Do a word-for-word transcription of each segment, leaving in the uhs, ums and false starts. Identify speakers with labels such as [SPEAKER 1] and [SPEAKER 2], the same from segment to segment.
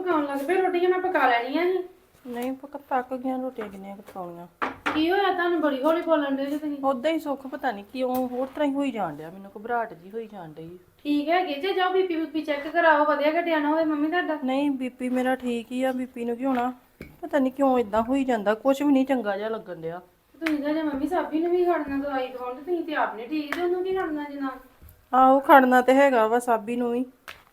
[SPEAKER 1] ਪਕਾਉਣ ਲੱਗ ਪਏ ਰੋਟੀਆਂ ਮੈਂ ਪਕਾ ਲੈਣੀਆਂ ਸੀ।
[SPEAKER 2] ਨਹੀਂ ਪੱਕ ਪੱਕ ਗਈਆਂ ਰੋਟੀਆਂ ਕਿੰਨੀਆਂ ਪਕਾਉਣੀਆਂ।
[SPEAKER 1] ਕੀ ਹੋਇਆ ਤੁਹਾਨੂੰ ਬੜੀ ਹੌਲੀ ਬੋਲਣ ਦੇ ਜੇ ਤੁਸੀਂ?
[SPEAKER 2] ਉਦਾਂ ਹੀ ਸੁੱਖ ਪਤਾ ਨਹੀਂ ਕਿਉਂ ਹੋਰ ਤਰ੍ਹਾਂ ਹੀ ਹੋਈ ਜਾਣ ਡਿਆ ਮੈਨੂੰ ਘਬਰਾਹਟ ਜੀ ਹੋਈ ਜਾਣ ਡਈ।
[SPEAKER 1] ਠੀਕ ਹੈਗੇ ਜੇ ਜਾਓ ਬੀਪੀ ਬੀਪੀ ਚੈੱਕ ਕਰਾਓ ਵਧੀਆ ਘਟਿਆ ਨਾ ਹੋਵੇ ਮੰਮੀ ਤੁਹਾਡਾ।
[SPEAKER 2] ਨਹੀਂ ਬੀਪੀ ਮੇਰਾ ਠੀਕ ਹੀ ਆ ਬੀਪੀ ਨੂੰ ਕੀ ਹੋਣਾ ਪਤਾ ਨਹੀਂ ਕਿਉਂ ਇਦਾਂ ਹੋਈ ਜਾਂਦਾ ਕੁਝ ਵੀ ਨਹੀਂ ਚੰਗਾ ਜਿਹਾ ਲੱਗਣ ਡਿਆ।
[SPEAKER 1] ਤੁਸੀਂ ਤਾਂ ਜੇ ਮੰਮੀ ਸਾਬੀ ਨੂੰ ਵੀ ਖੜਨਾ ਦਵਾਈ ਦਵਾਉਣ ਤੇ ਤੁਸੀਂ ਤੇ ਆਪ ਨੀ ਠੀਕ ਤੇ ਉਹਨੂੰ ਕੀ ਖੜਨਾ ਜਨਾ।
[SPEAKER 2] ਆਹੋ ਖੜਨਾ ਤੇ ਹੈਗਾ ਵਾ ਸਾਬੀ ਨੂੰ ਵੀ।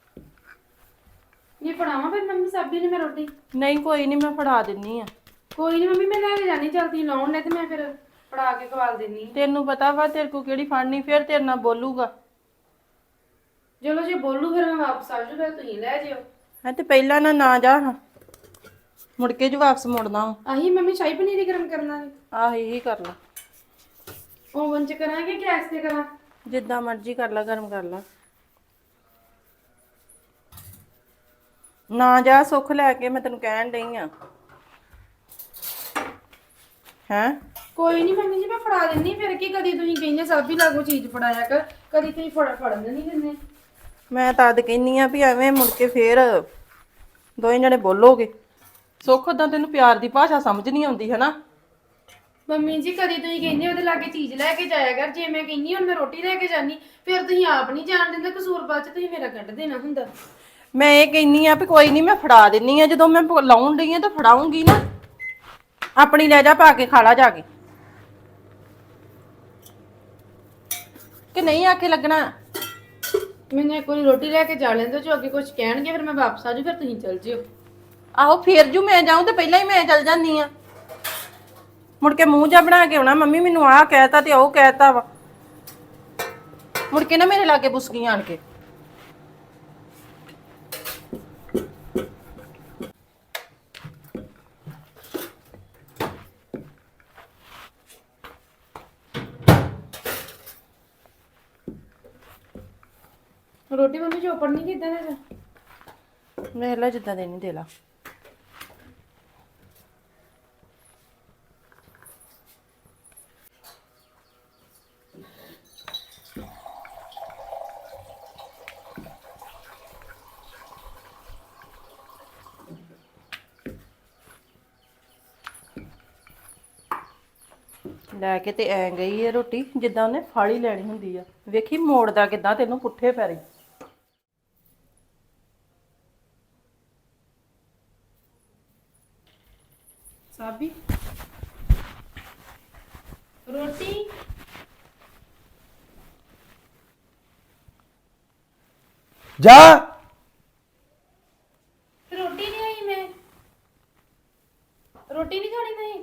[SPEAKER 1] ਇਹ ਫੜਾਵਾਂ ਫਿਰ ਮੰਮੀ ਸਾਬੀ ਨੇ ਮੈਂ ਰੋਟੀ?
[SPEAKER 2] ਨਹੀਂ ਕੋਈ ਨਹੀਂ ਮੈਂ ਫੜਾ ਦਿੰਨੀ ਆ।
[SPEAKER 1] ਕੋਈ ਨਹੀਂ ਮੰਮੀ ਮੈਂ ਲੈ ਕੇ ਜਾਣੀ ਚਲਦੀ ਲਾਉਣ ਨੇ ਤੇ ਮੈਂ ਫਿਰ ਫੜਾ ਕੇ ਖਵਾਲ ਦਿੰਨੀ।
[SPEAKER 2] ਤੈਨੂੰ ਪਤਾ ਵਾ ਤੇਰੇ ਕੋ ਕਿਹੜੀ ਫੜਨੀ ਫਿਰ ਤੇਰੇ ਨਾਲ ਬੋਲੂਗਾ।
[SPEAKER 1] ਚਲੋ ਜੇ ਬੋਲੂ ਫਿਰ ਮੈਂ ਵਾਪਸ ਆ ਜੂ ਫਿਰ ਤੁਸੀਂ ਲੈ ਜਿਓ।
[SPEAKER 2] ਹੈ ਤੇ ਪਹਿਲਾਂ ਨਾ ਨਾ ਜਾ ਮੁੜ ਕੇ ਜੋ ਵਾਪਸ ਮੁੜਨਾ ਵਾ।
[SPEAKER 1] ਆਹੀ ਮੰਮੀ ਸ਼ਾਹੀ ਪਨੀਰ ਹੀ ਗਰਮ ਕਰਨਾ ਹੈ।
[SPEAKER 2] ਆਹ ਇਹੀ ਕਰ ਲਾ।
[SPEAKER 1] ਓਵਨ ਚ ਕਰਾਂਗੇ ਗੈਸ ਤੇ ਕਰਾਂ?
[SPEAKER 2] ਜਿੱਦਾਂ ਮਰਜ਼ੀ ਕਰ ਲਾ ਗਰਮ ਕਰ ਲਾ। ਨਾ ਜਾ ਸੁੱਖ ਲੈ ਕੇ ਮੈਂ ਤੈਨੂੰ ਕਹਿਣ ਡਈ ਆ। ਹੈਂ
[SPEAKER 1] ਕੋਈ ਨਹੀਂ ਮੰਮੀ ਜੀ ਮੈਂ ਫੜਾ ਦਿੰਨੀ ਫਿਰ ਕੀ ਕਦੀ ਤੁਸੀਂ ਕਹਿੰਦੇ ਸਾਬੀ ਲਾਗੋ ਚੀਜ਼ ਫੜਾਇਆ ਕਰ ਕਦੀ ਤੁਸੀਂ ਫੜ ਫੜਨ ਨਹੀਂ ਦਿੰਦੇ।
[SPEAKER 2] ਮੈਂ ਤਾਂ ਅੱਜ ਕਹਿੰਨੀ ਆ ਵੀ ਐਵੇਂ ਮੁੜ ਕੇ ਫੇਰ ਦੋਵੇਂ ਜਣੇ ਬੋਲੋਗੇ। ਸੁੱਖ ਉਦਾਂ ਤੈਨੂੰ ਪਿਆਰ ਦੀ ਭਾਸ਼ਾ ਸਮਝ ਨਹੀਂ ਆਉਂਦੀ ਹੈ ਨਾ।
[SPEAKER 1] ਮੰਮੀ ਜੀ ਕਦੀ ਤੁਸੀਂ ਕਹਿੰਦੇ ਉਹਦੇ ਲਾਗੇ ਚੀਜ਼ ਲੈ ਕੇ ਜਾਇਆ ਕਰ ਜੇ ਮੈਂ ਕਹਿੰਨੀ ਹੁਣ ਮੈਂ ਰੋਟੀ ਲੈ ਕੇ ਜਾਨੀ ਫਿਰ ਤੁਸੀਂ ਆਪ ਨਹੀਂ ਜਾਣ ਦਿੰਦੇ ਕਸੂਰ ਬਾਅਦ ਚ ਤੁਸੀਂ ਮੇਰਾ ਕੱਢ ਦੇਣਾ ਹੁੰਦਾ।
[SPEAKER 2] ਮੈਂ ਇਹ ਕਹਿੰਨੀ ਆ ਵੀ ਕੋਈ ਨਹੀਂ ਮੈਂ ਫੜਾ ਦਿੰਨੀ ਆ ਜਦੋਂ ਮੈਂ ਲਾਉਣ ਡਈ ਆ ਤਾਂ ਫੜਾਉਂਗੀ ਨਾ। ਆਪਣੀ ਲੈ ਜਾ ਪਾ ਕੇ ਖਾ ਲਾ ਜਾ ਕੇ ਕਿ ਨਹੀਂ ਆਖੇ ਲੱਗਣਾ।
[SPEAKER 1] ਮੈਨੂੰ ਇੱਕ ਵਾਰੀ ਰੋਟੀ ਲੈ ਕੇ ਜਾ ਲੈਂਦੇ ਜੋ ਅੱਗੇ ਕੁਝ ਕਹਿਣਗੇ ਫਿਰ ਮੈਂ ਵਾਪਸ ਆ ਜੂ ਫਿਰ ਤੁਸੀਂ ਚੱਲ ਜਿਓ।
[SPEAKER 2] ਆਹੋ ਫੇਰ ਜੂ ਮੈਂ ਜਾਊਂ ਤੇ ਪਹਿਲਾਂ ਹੀ ਮੈਂ ਚੱਲ ਜਾਂਦੀ ਆ। ਮੁੜ ਕੇ ਮੂੰਹ ਜਾ ਬਣਾ ਕੇ ਆਉਣਾ ਮੰਮੀ ਮੈਨੂੰ ਆਹ ਕਹਿਤਾ ਤੇ ਉਹ ਕਹਿਤਾ ਵਾ ਮੁੜ ਕੇ ਨਾ ਮੇਰੇ ਲਾਗੇ ਬੁਸਕੀ ਆਣ ਕੇ।
[SPEAKER 1] ਰੋਟੀ ਮੰਮੀ ਚੋਪੜ ਨਹੀਂ ਕਿਦਾਂ ਦਾ?
[SPEAKER 2] ਵੇਖ ਲਾ ਜਿੱਦਾਂ ਦੇਣੀ ਦੇ ਲਾ। ਲੈ ਕੇ ਤੇ ਐ ਗਈ ਹੈ ਰੋਟੀ ਜਿੱਦਾਂ ਉਹਨੇ ਫਾਲੀ ਲੈਣੀ ਹੁੰਦੀ ਆ। ਵੇਖੀ ਮੋੜਦਾ ਕਿੱਦਾਂ ਤੈਨੂੰ ਪੁੱਠੇ ਪੈਰੀ।
[SPEAKER 1] ਸਾਬੀ ਰੋਟੀ
[SPEAKER 3] ਜਾ
[SPEAKER 1] ਰੋਟੀ ਨਹੀਂ ਆਈ ਮੈਂ ਰੋਟੀ ਨਹੀਂ ਖਾਣੀ ਨਹੀਂ।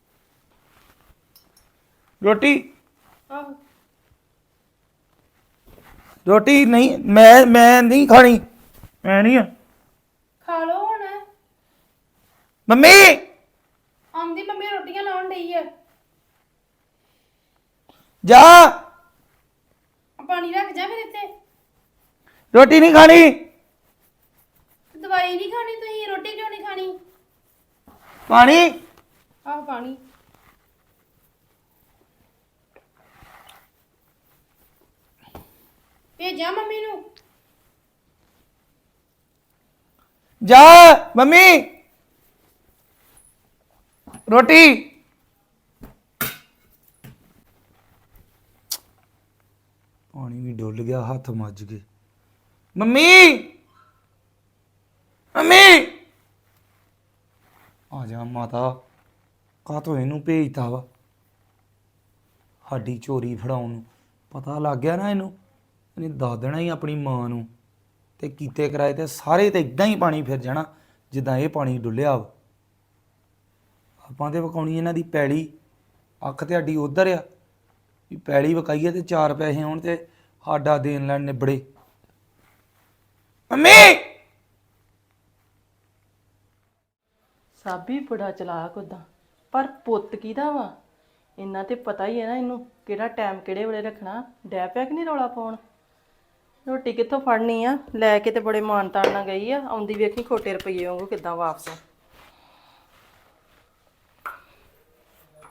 [SPEAKER 3] ਰੋਟੀ
[SPEAKER 1] ਆਹੋ
[SPEAKER 3] ਰੋਟੀ ਨਹੀਂ ਮੈਂ ਮੈਂ ਨਹੀਂ ਖਾਣੀ ਮੈਂ ਨਹੀਂ ਆ
[SPEAKER 1] ਖਾ ਲਓ ਹੁਣ।
[SPEAKER 3] ਮੰਮੀ
[SPEAKER 1] ਆਉਂਦੀ ਮੰਮੀ ਰੋਟੀਆਂ ਲਾਉਣ ਡਈ ਆ।
[SPEAKER 3] ਜਾ
[SPEAKER 1] ਪਾਣੀ ਰੱਖ ਜਾ ਫਿਰ ਇੱਥੇ।
[SPEAKER 3] ਰੋਟੀ ਨਹੀਂ ਖਾਣੀ
[SPEAKER 1] ਦਵਾਈ ਨਹੀਂ ਖਾਣੀ ਤੁਸੀਂ ਰੋਟੀ ਕਿਉਂ ਨਹੀਂ ਖਾਣੀ?
[SPEAKER 3] ਪਾਣੀ
[SPEAKER 1] ਆਹ ਪਾਣੀ ਭੇਜਾਂ ਮੰਮੀ ਨੂੰ?
[SPEAKER 3] ਜਾ ਮੰਮੀ ਰੋਟੀ ਪਾਣੀ ਵੀ ਡੁੱਲ ਗਿਆ ਹੱਥ ਮੱਜ ਗਏ। ਮੰਮੀ ਮੰਮੀ ਆ ਜਾ ਮਾਤਾ ਕਾਹਤੋਂ ਇਹਨੂੰ ਭੇਜਤਾ ਵਾ ਸਾਡੀ ਚੋਰੀ ਫੜਾਉਣ ਨੂੰ। ਪਤਾ ਲੱਗ ਗਿਆ ਨਾ ਇਹਨੂੰ ਇਹਨੇ ਦੱਸ ਦੇਣਾ ਹੀ ਆਪਣੀ ਮਾਂ ਨੂੰ ਤੇ ਕੀਤੇ ਕਰਾਏ ਤੇ ਸਾਰੇ ਤੇ ਇਦਾਂ ਹੀ ਪਾਣੀ ਫਿਰ ਜਾਣਾ ਜਿੱਦਾਂ ਇਹ ਪਾਣੀ ਡੁੱਲਿਆ ਵਾ। ਆਪਾਂ ਤੇ ਵਕਾਉਣੀ ਇਹਨਾਂ ਦੀ ਪੈਲੀ ਅੱਖ ਤੇ ਸਾਡੀ ਉਧਰ ਆ ਵੀ ਪੈਲੀ ਵਕਾਈਏ ਤੇ ਚਾਰ ਪੈਸੇ ਆਉਣ ਤੇ ਸਾਡਾ ਦੇਣ ਲੈਣ ਨਿਬੜੇ। ਮੰਮੀ
[SPEAKER 2] ਸਾਬੀ ਬੜਾ ਚਲਾਕ ਉਦਾਂ ਪਰ ਪੁੱਤ ਕਿਹਦਾ ਵਾ ਇੰਨਾ ਤੇ ਪਤਾ ਹੀ ਹੈ ਨਾ ਇਹਨੂੰ ਕਿਹੜਾ ਟਾਈਮ ਕਿਹੜੇ ਵੇਲੇ ਰੱਖਣਾ। ਡੈ ਪਿਆ ਕਿ ਨਹੀਂ ਰੌਲਾ ਪਾਉਣ। ਰੋਟੀ ਕਿੱਥੋਂ ਫੜਨੀ ਆ ਲੈ ਕੇ ਤੇ ਬੜੇ ਮਾਨ ਤਾਨ ਨਾਲ ਗਈ ਆ ਆਉਂਦੀ ਵੇਖੀ ਖੋਟੇ ਰੁਪਈਏ ਵਾਂਗੂ ਕਿੱਦਾਂ ਵਾਪਸ।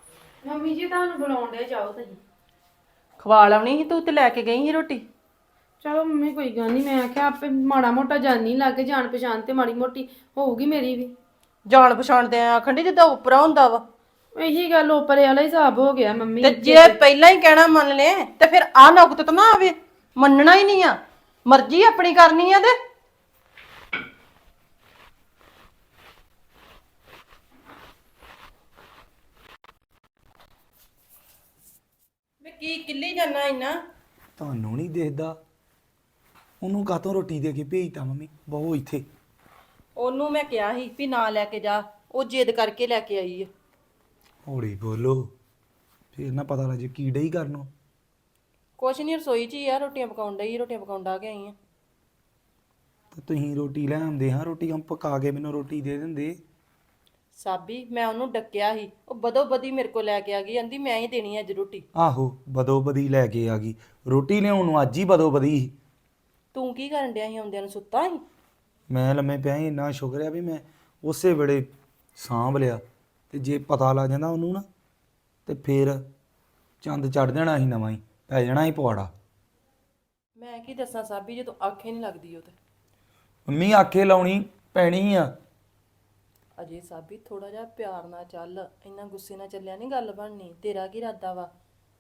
[SPEAKER 1] ਮੰਮੀ ਜੀ ਤੁਹਾਨੂੰ ਬੁਲਾਉਣ ਦੇ ਜਾਓ ਤੁਸੀਂ।
[SPEAKER 2] ਖਵਾ ਲਾਉਣੀ ਸੀ ਤੂੰ ਤੇ ਲੈ ਕੇ ਗਈ ਸੀ ਰੋਟੀ।
[SPEAKER 1] ਚਲੋ ਮੰਮੀ ਕੋਈ ਗੱਲ ਨਹੀਂ, ਮੈਂ ਆਖਿਆ ਆਪੇ ਮਾੜਾ ਮੋਟਾ ਜਾਨੀ ਲੱਗ ਜਾਣ ਪਛਾਣ ਤੇ ਮਾੜੀ ਮੋਟੀ ਹੋਊਗੀ ਮੇਰੀ ਵੀ।
[SPEAKER 2] ਜਾਣ ਪਛਾਣ ਤੇ ਆਖਣ ਦੀ ਜਿੱਦਾਂ ਉਪਰਾ ਹੁੰਦਾ ਵਾ।
[SPEAKER 1] ਇਹੀ ਗੱਲ ਉੱਪਰੇ ਵਾਲਾ ਹਿਸਾਬ ਹੋ ਗਿਆ ਮੰਮੀ।
[SPEAKER 2] ਤੇ ਜੇ ਪਹਿਲਾਂ ਹੀ ਕਹਿਣਾ ਮੰਨ ਲੈ ਤੇ ਫਿਰ ਆ ਨੁਕਤ ਤਾਂ ਨਾ ਆਵੇ। ਮੰਨਣਾ ਹੀ ਨਹੀਂ ਆ, ਮਰਜ਼ੀ ਆਪਣੀ ਕਰਨੀ ਆ ਤੇ ਮੈਂ ਕੀ ਕਿੱਲੀ ਜਾਣਾ ਇੰਨਾ।
[SPEAKER 3] ਤੁਹਾਨੂੰ ਨਹੀਂ ਦੇਖਦਾ? ਉਹਨੂੰ ਕਾਹਤੋਂ ਰੋਟੀ ਦੇ ਕੇ ਭੇਜਤਾ ਮੰਮੀ? ਬਹੁ ਇੱਥੇ।
[SPEAKER 2] ਉਹਨੂੰ ਮੈਂ ਕਿਹਾ ਸੀ ਵੀ ਨਾ ਲੈ ਕੇ ਜਾ, ਉਹ ਜਿੱਦ ਕਰਕੇ ਲੈ ਕੇ ਆਈ ਆ।
[SPEAKER 3] ਹੌਲੀ ਬੋਲੋ, ਫੇਰ ਨਾ ਪਤਾ ਲੱਗ ਜੇ ਕੀ ਡਈ ਕਰਨੋਂ।
[SPEAKER 2] ਕੁਛ ਨਹੀਂ, ਰਸੋਈ 'ਚ ਹੀ ਆ, ਰੋਟੀਆਂ ਪਕਾਉਣ ਡਈ, ਰੋਟੀਆਂ ਪਕਾਉਣ ਡਾ ਕੇ ਆਈ ਆ।
[SPEAKER 3] ਤੇ ਤੁਸੀਂ ਰੋਟੀ ਲੈ ਆਉਂਦੇ, ਹਾਂ ਰੋਟੀ ਹਮ ਪਕਾ ਕੇ ਮੈਨੂੰ ਰੋਟੀ ਦੇ ਦਿੰਦੇ।
[SPEAKER 2] ਸਾਬੀ ਮੈਂ ਉਹਨੂੰ ਡੱਕਿਆ ਸੀ, ਉਹ ਬਦੋ ਬਦੀ ਮੇਰੇ ਕੋਲ ਲੈ ਕੇ ਆ ਗਈ, ਕਹਿੰਦੀ ਮੈਂ ਹੀ ਦੇਣੀ ਆ ਅੱਜ ਰੋਟੀ।
[SPEAKER 3] ਆਹੋ, ਬਦੋ ਬਦੀ ਲੈ ਕੇ ਆ ਗਈ ਰੋਟੀ ਲਿਆਉਣ ਨੂੰ, ਅੱਜ ਹੀ ਬਦੋ ਬਦੀ ਸੀ।
[SPEAKER 2] ਤੂੰ ਕੀ ਕਰਨ ਡਿਆ ਸੀ? ਆਉਂਦਿਆਂ ਨੂੰ ਸੁੱਤਾ ਸੀ?
[SPEAKER 3] ਮੈਂ ਲੰਮੇ ਪਿਆ ਸੀ, ਇੰਨਾ ਸ਼ੁਕਰ ਆ ਵੀ ਮੈਂ ਉਸੇ ਵੇਲੇ ਸਾਂਭ ਲਿਆ। ਤੇ ਜੇ ਪਤਾ ਲੱਗ ਜਾਂਦਾ ਉਹਨੂੰ ਨਾ, ਤੇ ਫੇਰ ਚੰਦ ਚੜ ਜਾਣਾ ਸੀ, ਨਵਾਂ ਹੀ ਪੈ ਜਾਣਾ ਸੀ ਪਵਾੜਾ।
[SPEAKER 2] ਮੈਂ ਕੀ ਦੱਸਾਂ ਸਾਬੀ, ਜਦੋਂ ਆਖੇ ਨਹੀਂ ਲੱਗਦੀ ਉਹ ਤੇ।
[SPEAKER 3] ਮੰਮੀ ਆਖੇ ਲਾਉਣੀ ਪੈਣੀ ਆ।
[SPEAKER 2] ਅਜੇ ਸਾਬੀ ਥੋੜਾ ਜਿਹਾ ਪਿਆਰ ਨਾਲ ਚੱਲ, ਇੰਨਾ ਗੁੱਸੇ ਨਾਲ ਚੱਲਿਆ ਨਹੀਂ ਗੱਲ ਬਣਨੀ। ਤੇਰਾ ਕੀ ਇਰਾਦਾ ਵਾ?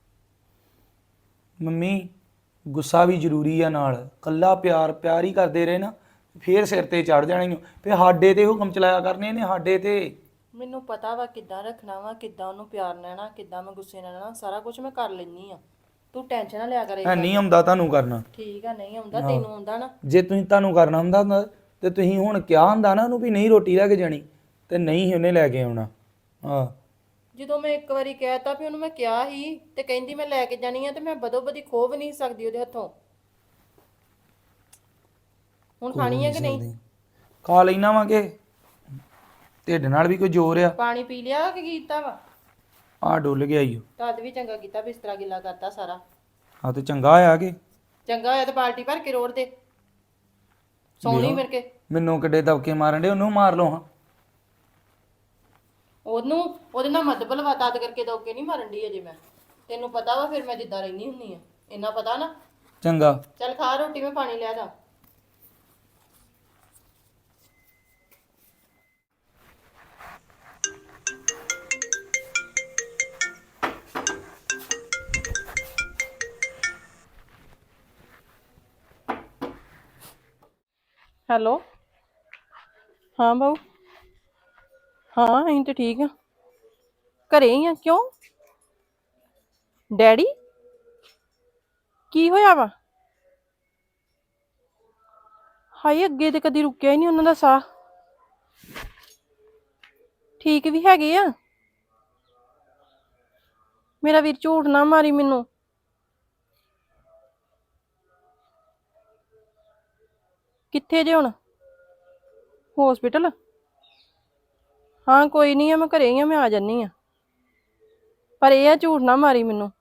[SPEAKER 3] ਮੰਮੀ ਗੁੱਸਾ ਵੀ ਜ਼ਰੂਰੀ ਆ, ਨਾਲ ਕੱਲਾ ਪਿਆਰ ਪਿਆਰ ਹੀ ਕਰਦੇ ਰਹੇ ਨਾ, ਫੇਰ ਸਿਰ ਤੇ ਚੜ ਜਾਣੀ। ਫੇਰ ਸਾਡੇ ਤੇ ਹੁਕਮ ਚਲਾਇਆ ਕਰਨੇ ਨੇ, ਸਾਡੇ ਤੇ।
[SPEAKER 2] ਮੈਨੂੰ ਪਤਾ ਵਾ ਕਿੱਦਾਂ ਰੱਖਣਾ ਵਾ, ਕਿੱਦਾਂ ਉਹਨੂੰ ਪਿਆਰ ਲੈਣਾ, ਕਿੱਦਾਂ ਮੈਂ ਗੁੱਸੇ ਨਾਲ ਰਹਿਣਾ, ਸਾਰਾ ਕੁਝ ਮੈਂ ਕਰ ਲੈਣੀ ਆ। ਤੂੰ ਟੈਨਸ਼ਨ ਨਾ ਲਿਆ ਕਰ।
[SPEAKER 3] ਹੈ ਨਹੀਂ ਆਉਂਦਾ ਤੁਹਾਨੂੰ ਕਰਨਾ?
[SPEAKER 2] ਠੀਕ ਆ, ਨਹੀਂ ਆਉਂਦਾ ਤੈਨੂੰ ਆਉਂਦਾ ਨਾ।
[SPEAKER 3] ਜੇ ਤੁਸੀਂ ਤੁਹਾਨੂੰ ਕਰਨਾ ਹੁੰਦਾ ਨਾ, ਤੇ ਤੁਸੀਂ ਹੁਣ ਕਿਹਾ ਹੁੰਦਾ ਨਾ ਉਹਨੂੰ ਵੀ ਨਹੀਂ ਰੋਟੀ ਲੈ ਕੇ ਜਾਣੀ, ਤੇ ਨਹੀਂ ਸੀ ਉਹਨੇ ਲੈ ਕੇ ਆਉਣਾ। ਹਾਂ,
[SPEAKER 2] ਜਦੋਂ ਮੈਂ ਇੱਕ ਵਾਰੀ ਕਹਿਤਾ ਵੀ ਉਹਨੂੰ, ਮੈਂ ਕਿਹਾ ਸੀ ਤੇ ਕਹਿੰਦੀ ਮੈਂ ਲੈ ਕੇ ਜਾਣੀ ਆ, ਤੇ ਮੈਂ ਬਦੋ ਬਦੀ ਖੋ ਵੀ ਨਹੀਂ ਸਕਦੀ ਉਹਦੇ ਹੱਥੋਂ। ਹੁਣ ਖਾਣੀ ਹੈ ਕਿ ਨਹੀਂ?
[SPEAKER 3] ਖਾ ਲੈਣਾ ਵਾ ਕਿ ਢਿੱਡ ਨਾਲ ਵੀ ਕੋਈ ਜ਼ੋਰ ਆ?
[SPEAKER 2] ਪਾਣੀ ਪੀ ਲਿਆ ਕਿ ਕੀਤਾ ਵਾ?
[SPEAKER 3] ਆ ਡੁੱਲ ਗਿਆ ਈ।
[SPEAKER 2] ਤਦ ਵੀ ਚੰਗਾ ਕੀਤਾ, ਬਿਸਤਰਾ ਗਿੱਲਾ ਕਰਤਾ ਸਾਰਾ।
[SPEAKER 3] ਹਾਂ ਤੇ ਚੰਗਾ ਆ ਕਿ
[SPEAKER 2] ਚੰਗਾ ਹੋਇਆ ਤੇ ਬਾਲਟੀ ਭਰ ਕੇ ਰੋੜ ਦੇ, ਸੌਣੀ ਮਿਲ ਕੇ।
[SPEAKER 3] ਮੈਨੂੰ ਕਿੱਡੇ ਦਬਕੇ ਮਾਰਨ ਦੇ, ਉਹਨੂੰ ਮਾਰ ਲਓ ਹਾਂ।
[SPEAKER 2] ਉਹਨੂੰ ਉਹਦੇ ਨਾਲ ਮੱਧ ਬਲਵਾ ਤਦ ਕਰਕੇ ਦੌਕੇ ਨਹੀਂ ਮਾਰਨ ਦੀ ਅਜੇ ਮੈਂ। ਤੈਨੂੰ ਪਤਾ ਵਾ ਫਿਰ ਮੈਂ ਜਿੱਦਾਂ ਰਹਿੰਦੀ ਹੁੰਨੀ ਆ, ਇੰਨਾ ਪਤਾ ਨਾ।
[SPEAKER 3] ਚੰਗਾ
[SPEAKER 2] ਚੱਲ ਖਾ ਰੋਟੀ, ਮੈਂ ਪਾਣੀ ਲਿਆ ਦਾ। ਹੈਲੋ, ਹਾਂ ਬਾਊ। ਹਾਂ ਅਸੀਂ ਤੇ ਠੀਕ ਆ, ਘਰੇ ਹੀ ਆ। ਕਿਉਂ? ਡੈਡੀ ਕੀ ਹੋਇਆ ਵਾ? ਹਾਏ, ਅੱਗੇ ਤੇ ਕਦੀ ਰੁਕਿਆ ਹੀ ਨਹੀਂ ਉਹਨਾਂ ਦਾ ਸਾਹ। ਠੀਕ ਵੀ ਹੈਗੇ ਆ? ਮੇਰਾ ਵੀਰ ਝੂਠ ਨਾ ਮਾਰੀ ਮੈਨੂੰ। ਕਿੱਥੇ ਜੇ ਹੁਣ? ਹੌਸਪੀਟਲ? ਹਾਂ ਕੋਈ ਨਹੀਂ ਆ, ਮੈਂ ਘਰੇ ਹੀ ਆ, ਮੈਂ ਆ ਜਾਨੀ ਆ। ਪਰ ਇਹ ਆ ਝੂਠ ਨਾ ਮਾਰੀ ਮੈਨੂੰ।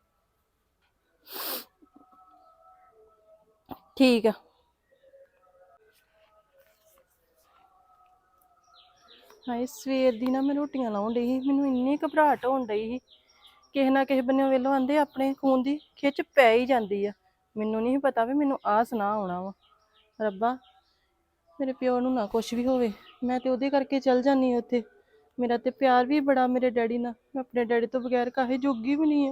[SPEAKER 2] ਠੀਕ ਆ। ਹਾਏ, ਸਵੇਰ ਦੀ ਨਾ ਮੈਂ ਰੋਟੀਆਂ ਲਾਉਣ ਡਈ ਸੀ, ਮੈਨੂੰ ਇੰਨੀ ਘਬਰਾਹਟ ਹੋਣ ਡਈ ਸੀ। ਕਿਸੇ ਨਾ ਕਿਸੇ ਬੰਨਿਓ ਵੇਲੋਂ ਆਂਦੇ ਆਪਣੇ ਖੂਨ ਦੀ ਖਿੱਚ ਪੈ ਹੀ ਜਾਂਦੀ ਆ। ਮੈਨੂੰ ਨਹੀਂ ਪਤਾ ਵੀ ਮੈਨੂੰ ਆਹ ਸੁਣਾ ਆਉਣਾ ਵਾ। ਰੱਬਾ, ਮੇਰੇ ਪਿਓ ਨੂੰ ਨਾ ਕੁਛ ਵੀ ਹੋਵੇ। ਮੈਂ ਤੇ ਉਹਦੇ ਕਰਕੇ ਚਲ ਜਾਂਦੀ ਹਾਂ ਉੱਥੇ। ਮੇਰਾ ਤੇ ਪਿਆਰ ਵੀ ਬੜਾ ਮੇਰੇ ਡੈਡੀ ਨਾਲ, ਮੈਂ ਆਪਣੇ ਡੈਡੀ ਤੋਂ ਬਗੈਰ ਕਾਹੇ ਜੋਗੀ ਵੀ ਨਹੀਂ ਆ।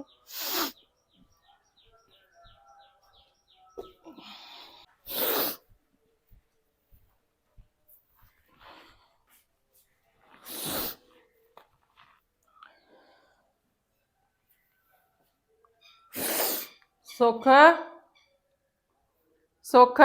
[SPEAKER 2] ਸੁੱਖ, ਸੁੱਖ,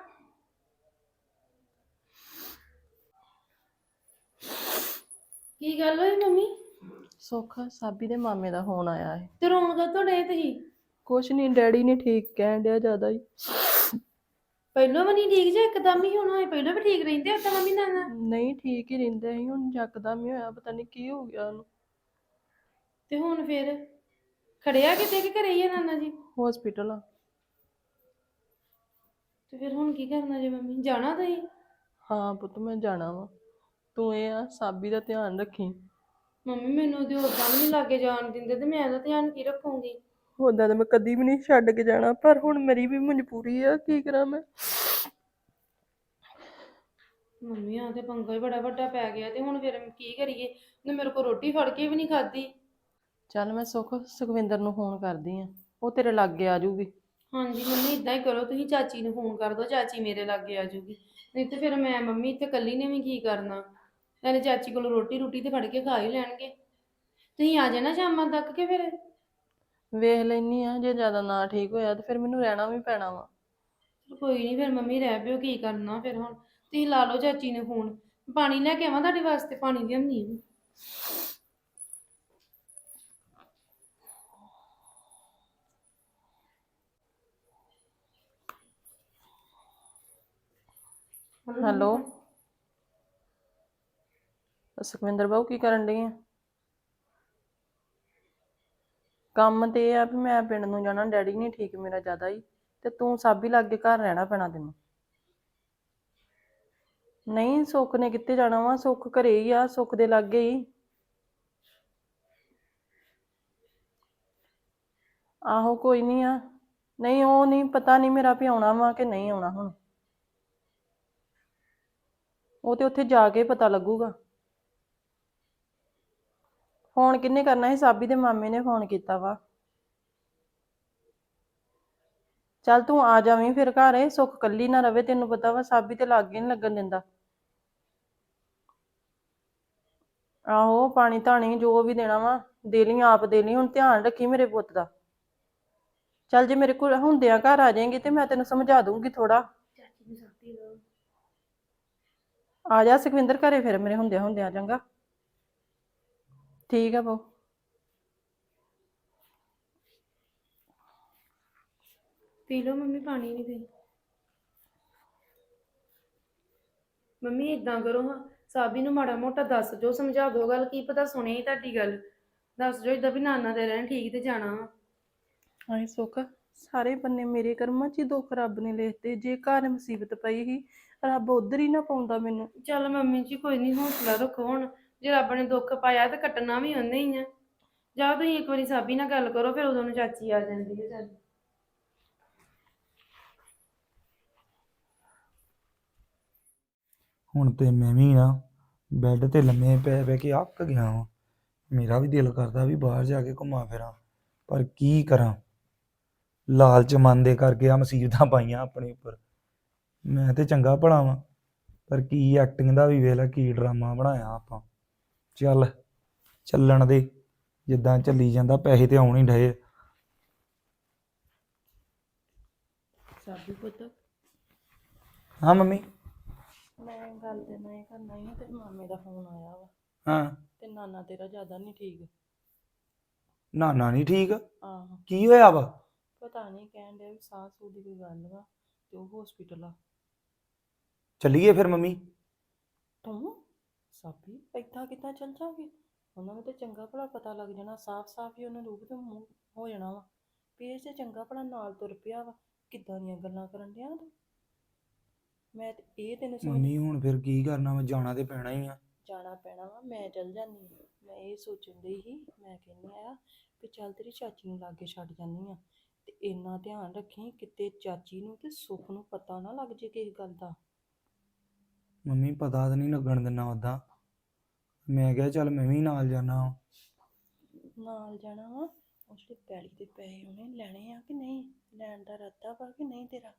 [SPEAKER 1] ਕੀ ਗੱਲ ਹੋਈ ਮੰਮੀ?
[SPEAKER 2] ਸੁੱਖ, ਸਾਬੀ ਦੇ ਮਾਮੇ ਦਾ ਫੋਨ ਆਇਆ ਹੈ।
[SPEAKER 1] ਤੇ ਰੋਣ ਕਾਹਤੋਂ ਡੇ ਤੁਸੀਂ?
[SPEAKER 2] ਕੁਛ ਨਹੀਂ, ਡੈਡੀ ਨਹੀਂ ਠੀਕ, ਕਹਿਣ ਡਿਆ ਜ਼ਿਆਦਾ ਹੀ।
[SPEAKER 1] ਪਹਿਲਾਂ ਵੀ ਨਹੀਂ ਠੀਕ ਜੇ ਇੱਕਦਮ ਹੀ ਹੁਣ ਹੋਏ? ਪਹਿਲਾਂ ਵੀ ਠੀਕ ਰਹਿੰਦੇ ਉਦਾਂ ਮੰਮੀ ਨਾਲ?
[SPEAKER 2] ਨਹੀਂ, ਠੀਕ ਹੀ ਰਹਿੰਦੇ ਸੀ, ਹੁਣ ਯਕਦਮ ਹੀ ਹੋਇਆ, ਪਤਾ ਨਹੀਂ ਕੀ ਹੋ ਗਿਆ ਉਹਨੂੰ।
[SPEAKER 1] ਤੇ ਹੁਣ ਫਿਰ ਖੜਿਆ ਕਿਤੇ ਕਿ ਘਰੇ ਹੀ ਆ ਨਾਨਾ ਜੀ?
[SPEAKER 2] ਹੌਸਪੀਟਲ ਆ।
[SPEAKER 1] ਤੇ ਫਿਰ ਹੁਣ ਕੀ ਕਰਨਾ ਜੇ ਮੰਮੀ? ਜਾਣਾ ਤੁਸੀਂ?
[SPEAKER 2] ਹਾਂ ਪੁੱਤ, ਮੈਂ ਜਾਣਾ ਵਾ। ਤੂੰ ਇਹ ਆ ਸਾਬੀ ਦਾ ਧਿਆਨ ਰੱਖੀ।
[SPEAKER 1] ਮੰਮੀ ਮੈਨੂੰ ਤੇ ਉਦਾਂ ਵੀ ਨਹੀਂ ਲਾਗੇ ਜਾਣ ਦਿੰਦੇ, ਤੇ ਮੈਂ ਇਹਦਾ ਧਿਆਨ ਕੀ ਰੱਖੂੰਗੀ?
[SPEAKER 2] ਉਦਾਂ ਤਾਂ ਮੈਂ ਕਦੀ ਵੀ ਨਹੀਂ ਛੱਡ ਕੇ ਜਾਣਾ, ਪਰ ਹੁਣ ਮੇਰੀ ਵੀ ਮਜਬੂਰੀ ਆ, ਕੀ ਕਰਾਂ ਮੈਂ।
[SPEAKER 1] ਮੰਮੀ ਆ ਤੇ ਪੰਗਾ ਹੀ ਬੜਾ ਵੱਡਾ ਪੈ ਗਿਆ ਤੇ ਹੁਣ ਫਿਰ ਕੀ ਕਰੀਏ? ਉਹਨੇ ਮੇਰੇ ਕੋਲ ਰੋਟੀ ਫੜ ਕੇ ਵੀ ਨਹੀਂ ਖਾਧੀ।
[SPEAKER 2] ਚੱਲ ਮੈਂ ਸੁੱਖ ਸੁਖਵਿੰਦਰ ਨੂੰ ਫੋਨ ਕਰਦੀ ਆ, ਉਹ ਤੇਰੇ ਲਾਗੇ ਆ ਜਾਊਗੀ।
[SPEAKER 1] ਹਾਂਜੀ ਮੰਮੀ ਇਦਾਂ ਹੀ ਕਰੋ, ਤੁਸੀਂ ਚਾਚੀ ਨੂੰ ਫੋਨ ਕਰ ਦਿਓ, ਚਾਚੀ ਮੇਰੇ ਲਾਗੇ ਆ ਜਾਊਗੀ। ਨਹੀਂ ਤੇ ਫਿਰ ਮੈਂ ਮੰਮੀ ਇੱਥੇ ਇਕੱਲੀ ਨੇ ਵੀ ਕੀ ਕਰਨਾ। ਨਾਲੇ ਚਾਚੀ ਕੋਲ ਰੋਟੀ ਰੋਟੀ ਤੇ ਫੜ ਕੇ ਖਾ ਹੀ ਲੈਣਗੇ। ਤੁਸੀਂ ਆ ਜਾਣਾ ਸ਼ਾਮਾਂ ਤੱਕ ਕਿ ਫਿਰ?
[SPEAKER 2] ਵੇਖ ਲੈਨੀ ਆ, ਜੇ ਜ਼ਿਆਦਾ ਨਾ ਠੀਕ ਹੋਇਆ ਤੇ ਫਿਰ ਮੈਨੂੰ ਰਹਿਣਾ ਵੀ ਪੈਣਾ ਵਾ।
[SPEAKER 1] ਚਲੋ ਕੋਈ ਨਹੀਂ, ਫਿਰ ਮੰਮੀ ਰਹਿ ਪਿਓ, ਕੀ ਕਰਨਾ ਫਿਰ ਹੁਣ। ਤੁਸੀਂ ਲਾ ਲਓ ਚਾਚੀ ਨੇ ਫੋਨ, ਪਾਣੀ ਲੈ ਕੇ ਆਵਾਂ ਤੁਹਾਡੇ ਵਾਸਤੇ? ਪਾਣੀ ਲਿਆਉਣੀ ਆ।
[SPEAKER 2] ਹੈਲੋ ਸੁਖਵਿੰਦਰ ਬਾਊ, ਕੀ ਕਰਨ ਡਈ ਆ? ਕੰਮ ਤੇ ਇਹ ਆ ਵੀ ਮੈਂ ਪਿੰਡ ਨੂੰ ਜਾਣਾ, ਡੈਡੀ ਨਹੀਂ ਠੀਕ ਮੇਰਾ ਜ਼ਿਆਦਾ ਹੀ, ਤੇ ਤੂੰ ਸਾਬੀ ਲਾਗੇ ਘਰ ਰਹਿਣਾ ਪੈਣਾ ਤੈਨੂੰ। ਨਹੀਂ ਸੁੱਖ ਨੇ ਕਿੱਥੇ ਜਾਣਾ ਵਾ, ਸੁੱਖ ਘਰੇ ਹੀ ਆ, ਸੁੱਖ ਦੇ ਲਾਗੇ ਹੀ। ਆਹੋ ਕੋਈ ਨਹੀਂ ਆ। ਨਹੀਂ ਉਹ ਨਹੀਂ ਪਤਾ, ਨਹੀਂ ਮੇਰਾ ਵੀ ਆਉਣਾ ਵਾ ਕਿ ਨਹੀਂ ਆਉਣਾ ਹੁਣ, ਉਹ ਤੇ ਉੱਥੇ ਜਾ ਕੇ ਪਤਾ ਲੱਗੂਗਾ। ਫੋਨ ਕਿਹਨੇ ਕਰਨਾ ਸੀ? ਸਾਬੀ ਦੇ ਮਾਮੇ ਨੇ ਫੋਨ ਕੀਤਾ ਵਾ। ਚੱਲ ਤੂੰ ਆ ਜਾਵੀਂ ਫਿਰ ਘਰ, ਇਹ ਸੁੱਖ ਕੱਲੀ ਨਾ ਰਵੇ, ਤੈਨੂੰ ਪਤਾ ਵਾ ਸਾਬੀ ਤੇ ਲਾਗੇ ਨਹੀਂ ਲੱਗਣ ਦਿੰਦਾ। ਆਹੋ ਪਾਣੀ ਧਾਣੀ ਜੋ ਵੀ ਦੇਣਾ ਵਾ ਦੇ ਲਈ, ਆਪ ਦੇ ਲਈ, ਹੁਣ ਧਿਆਨ ਰੱਖੀ ਮੇਰੇ ਪੁੱਤ ਦਾ। ਚੱਲ ਜੇ ਮੇਰੇ ਕੋਲ ਹੁੰਦਿਆਂ ਘਰ ਆ ਜਾਏਗੀ ਤੇ ਮੈਂ ਤੈਨੂੰ ਸਮਝਾ ਦੂੰਗੀ ਥੋੜਾ। ਆ ਜਾ ਸੁਖਵਿੰਦਰ ਘਰੇ ਫਿਰ ਮੇਰੇ ਹੁੰਦਿਆਂ ਹੁੰਦਿਆਂ, ਚੰਗਾ? ਠੀਕ ਆ ਬਹੁ।
[SPEAKER 1] ਪੀ ਲਓ ਮੰਮੀ ਪਾਣੀ ਵੀ ਦੇ। ਮੰਮੀ ਇਦਾਂ ਕਰੋ ਹਾਂ, ਸਾਬੀ ਨੂੰ ਮਾੜਾ ਮੋਟਾ ਦੱਸ ਜੋ, ਸਮਝਾ ਦਿਓ ਗੱਲ, ਕੀ ਪਤਾ ਸੁਣੇ ਹੀ ਤੁਹਾਡੀ ਗੱਲ। ਦੱਸ ਜੋ ਇਦਾਂ ਵੀ ਨਾਨਾ ਤੇ ਰਹਿਣ ਠੀਕ ਤੇ ਜਾਣਾ ਵਾ।
[SPEAKER 2] ਹਾਏ ਸੁੱਖ, ਸਾਰੇ ਬੰਨੇ ਮੇਰੇ ਕਰਮਾਂ 'ਚ ਹੀ ਦੁੱਖ ਰੱਬ ਨੇ ਲਿਖਤੇ। ਜੇ ਘਰ ਮੁਸੀਬਤ ਪਈ ਸੀ, ਰੱਬ ਉਧਰ ਹੀ ਨਾ ਪਾਉਂਦਾ ਮੈਨੂੰ।
[SPEAKER 1] ਚੱਲ ਮੰਮੀ ਜੀ ਕੋਈ ਨਹੀਂ, ਹੌਸਲਾ ਰੱਖੋ ਹੁਣ। ਜੇ ਰੱਬ ਨੇ ਦੁੱਖ ਪਾਇਆ ਤੇ ਕੱਟਣਾ ਵੀ ਉਹਨੇ ਹੀ ਆ। ਜਾਓ ਤੁਸੀਂ ਇੱਕ ਵਾਰੀ ਸਾਬੀ ਨਾਲ ਗੱਲ ਕਰੋ, ਫਿਰ ਉਦੋਂ ਨੂੰ ਚਾਚੀ ਆ ਜਾਂਦੀ ਹੈ। ਚੱਲ
[SPEAKER 3] ਹੁਣ ਤੇ ਮੈਂ ਵੀ ਨਾ ਬੈੱਡ ਤੇ ਲੰਮੇ ਪੈ ਪੈ ਕੇ ਅੱਕ ਗਿਆ ਵਾਂ। ਮੇਰਾ ਵੀ ਦਿਲ ਕਰਦਾ ਵੀ ਬਾਹਰ ਜਾ ਕੇ ਘੁੰਮਾਂ ਫਿਰਾਂ, ਪਰ ਕੀ ਕਰਾਂ? ਲਾਲਚ ਮਨ ਦੇ ਕਰਕੇ ਆ ਮੁਸੀਬਤਾਂ ਪਾਈਆਂ ਆਪਣੇ ਉੱਪਰ। ਮੈਂ ਤੇ ਚੰਗਾ ਭਲਾ ਵਾਂ, ਪਰ ਕੀ ਐਕਟਿੰਗ ਦਾ ਵੀ ਵੇਖ ਲੈ, ਕੀ ਡਰਾਮਾ ਬਣਾਇਆ ਆਪਾਂ। ਚੱਲ ਚੱਲਣ ਦੇ, ਜਿੱਦਾਂ ਚੱਲੀ ਜਾਂਦਾ, ਪੈਸੇ ਤੇ ਆਉਣ ਹੀ ਡਏ।
[SPEAKER 2] ਸਾਬੀ ਪੁੱਤ,
[SPEAKER 3] ਹਾਂ ਮੰਮੀ।
[SPEAKER 2] ਮੈਂ ਗੱਲ ਤੇ ਨਾ ਇਹ ਕਰਨਾ ਹੀ, ਤੇ ਮਾਮੇ ਦਾ ਫੋਨ ਆਇਆ ਵਾ।
[SPEAKER 3] ਹਾਂ।
[SPEAKER 2] ਤੇ ਨਾਨਾ ਤੇਰਾ ਜ਼ਿਆਦਾ ਨਹੀਂ ਠੀਕ।
[SPEAKER 3] ਨਾਨਾ ਨਹੀਂ ਠੀਕ?
[SPEAKER 2] ਆਹੋ।
[SPEAKER 3] ਕੀ ਹੋਇਆ ਵਾ?
[SPEAKER 2] ਪਤਾ ਨਹੀਂ, ਕਹਿਣ ਡਿਆ ਵੀ ਸਾਹ ਸੂਹ ਦੀ ਕੋਈ ਗੱਲ ਵਾ, ਤੇ ਉਹ ਹਸਪੀਟਲ ਆ।
[SPEAKER 3] ਚੱਲੀਏ ਫਿਰ ਮੰਮੀ?
[SPEAKER 2] ਤੂੰ ਸਾਬੀ ਏਦਾਂ ਕਿੱਦਾਂ ਚੱਲ ਜਾਓਗੇ? ਉਹਨਾਂ ਨੂੰ ਤੇ ਚੰਗਾ ਭਲਾ ਪਤਾ ਲੱਗ ਜਾਣਾ, ਸਾਫ਼ ਸਾਫ਼ ਹੀ ਉਹਨਾਂ ਰੂਪ ਤੇ ਮੂੰਹ ਹੋ ਜਾਣਾ ਵਾ ਵੀ ਇਹ ਤੇ ਚੰਗਾ ਭਲਾ ਨਾਲ ਤੁਰ ਪਿਆ ਵਾ। ਕਿੱਦਾਂ ਦੀਆਂ ਗੱਲਾਂ ਕਰਨ ਡਿਆ ਤੂੰ? ਮੈਂ ਤੇ ਇਹ ਤੈਨੂੰ ਸਮਝ।
[SPEAKER 3] ਮੰਮੀ ਹੁਣ ਫਿਰ ਕੀ ਕਰਨਾ ਵਾ? ਜਾਣਾ ਤੇ ਪੈਣਾ ਹੀ ਆ।
[SPEAKER 2] ਜਾਣਾ ਪੈਣਾ ਵਾ, ਮੈਂ ਚੱਲ ਜਾਂਦੀ ਹਾਂ। ਮੈਂ ਇਹ ਸੋਚਣ ਡਈ ਸੀ, ਮੈਂ ਕਹਿੰਦੀ ਆ ਵੀ ਚੱਲ ਤੇਰੀ ਚਾਚੀ ਨੂੰ ਲਾਗੇ ਛੱਡ ਜਾਂਦੀ ਆ, ਤੇ ਇੰਨਾ ਧਿਆਨ ਰੱਖੀ ਕਿਤੇ ਚਾਚੀ ਨੂੰ ਤੇ ਸੁੱਖ ਨੂੰ ਪਤਾ ਨਾ ਲੱਗ ਜੇ ਕਿਸੇ ਗੱਲ ਦਾ।
[SPEAKER 3] ਮੰਮੀ ਪਤਾ ਤਾਂ ਨਹੀਂ ਲੱਗਣ ਦਿੰਦਾ ਉੱਦਾਂ। ਮੈਂ ਕਿਹਾ ਚੱਲ ਮੈਂ ਵੀ ਨਾਲ ਜਾਣਾ।
[SPEAKER 2] ਨਾਲ ਜਾਣਾ ਵਾ? ਉਹ ਜਿਹੜੇ ਪੈਲੀ ਦੇ ਪੈਸੇ ਉਹਨੇ ਲੈਣੇ ਆ ਕਿ ਨਹੀਂ? ਲੈਣ ਦਾ ਇਰਾਦਾ ਵਾ ਕਿ ਨਹੀਂ ਤੇਰਾ?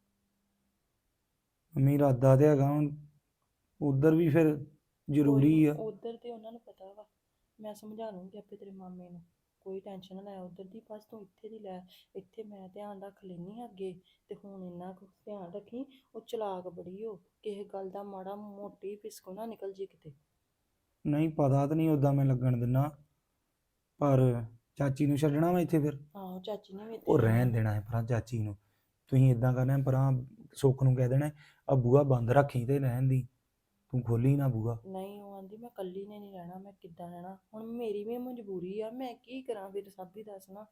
[SPEAKER 3] ਮੰਮੀ ਇਰਾਦਾ ਤੇ ਹੈਗਾ, ਹੁਣ ਉਧਰ ਵੀ ਫਿਰ ਜ਼ਰੂਰੀ ਆ।
[SPEAKER 2] ਉਧਰ ਤੇ ਉਹਨਾਂ ਨੂੰ ਪਤਾ ਵਾ, ਮੈਂ ਸਮਝਾ ਲੂੰਗੀ ਆਪੇ ਤੇਰੇ ਮਾਮੇ ਨੂੰ, ਕੋਈ ਟੈਨਸ਼ਨ ਨਾ ਲੈ ਉਧਰ ਦੀ, ਬਸ ਤੂੰ ਇੱਥੇ ਦੀ ਲੈ। ਇੱਥੇ ਮੈਂ ਧਿਆਨ ਰੱਖ ਲੈਂਦੀ ਅੱਗੇ, ਤੇ ਹੁਣ ਇੰਨਾ ਕੁ ਧਿਆਨ ਰੱਖੀ, ਉਹ ਚਲਾਕ ਬੜੀ ਹੋ, ਕਿਸੇ ਗੱਲ ਦਾ ਮਾੜਾ ਮੋਟੀ ਪਿਸਕੋ ਨਾ ਨਿਕਲ ਜੇ ਕਿਤੇ।
[SPEAKER 3] ਨਹੀਂ ਪਤਾ ਤਾਂ ਨਹੀਂ ਉੱਦਾਂ ਮੈਂ ਲੱਗਣ ਦਿੰਦਾ, ਪਰ ਚਾਚੀ ਨੂੰ ਛੱਡਣਾ ਵਾ ਇੱਥੇ ਫਿਰ?
[SPEAKER 2] ਆਹੋ ਚਾਚੀ ਨੇ ਵੀ
[SPEAKER 3] ਉਹ ਰਹਿਣ ਦੇਣਾ ਹੈ ਭਰਾ ਚਾਚੀ ਨੂੰ। ਤੁਸੀਂ ਇਦਾਂ ਕਰਨਾ ਭਰਾ, ਸੁੱਖ ਨੂੰ ਕਹਿ ਦੇਣਾ ਆ ਬੂਹਾ ਬੰਦ ਰੱਖੀ ਤੇ ਰਹਿਣ ਦੀ, ਤੂੰ ਖੋਲੀ ਨਾ ਬੂਹਾ।
[SPEAKER 2] ਨਹੀਂ ਉਹ ਆਂਦੀ ਮੈਂ ਕੱਲੀ ਨੇ ਨਹੀਂ ਰਹਿਣਾ, ਮੈਂ ਕਿੱਦਾਂ ਰਹਿਣਾ? ਹੁਣ ਮੇਰੀ ਵੀ ਮਜਬੂਰੀ ਆ, ਮੈਂ ਕੀ ਕਰਾਂ ਫਿਰ? ਸਾਬੀ ਦੱਸਣਾ।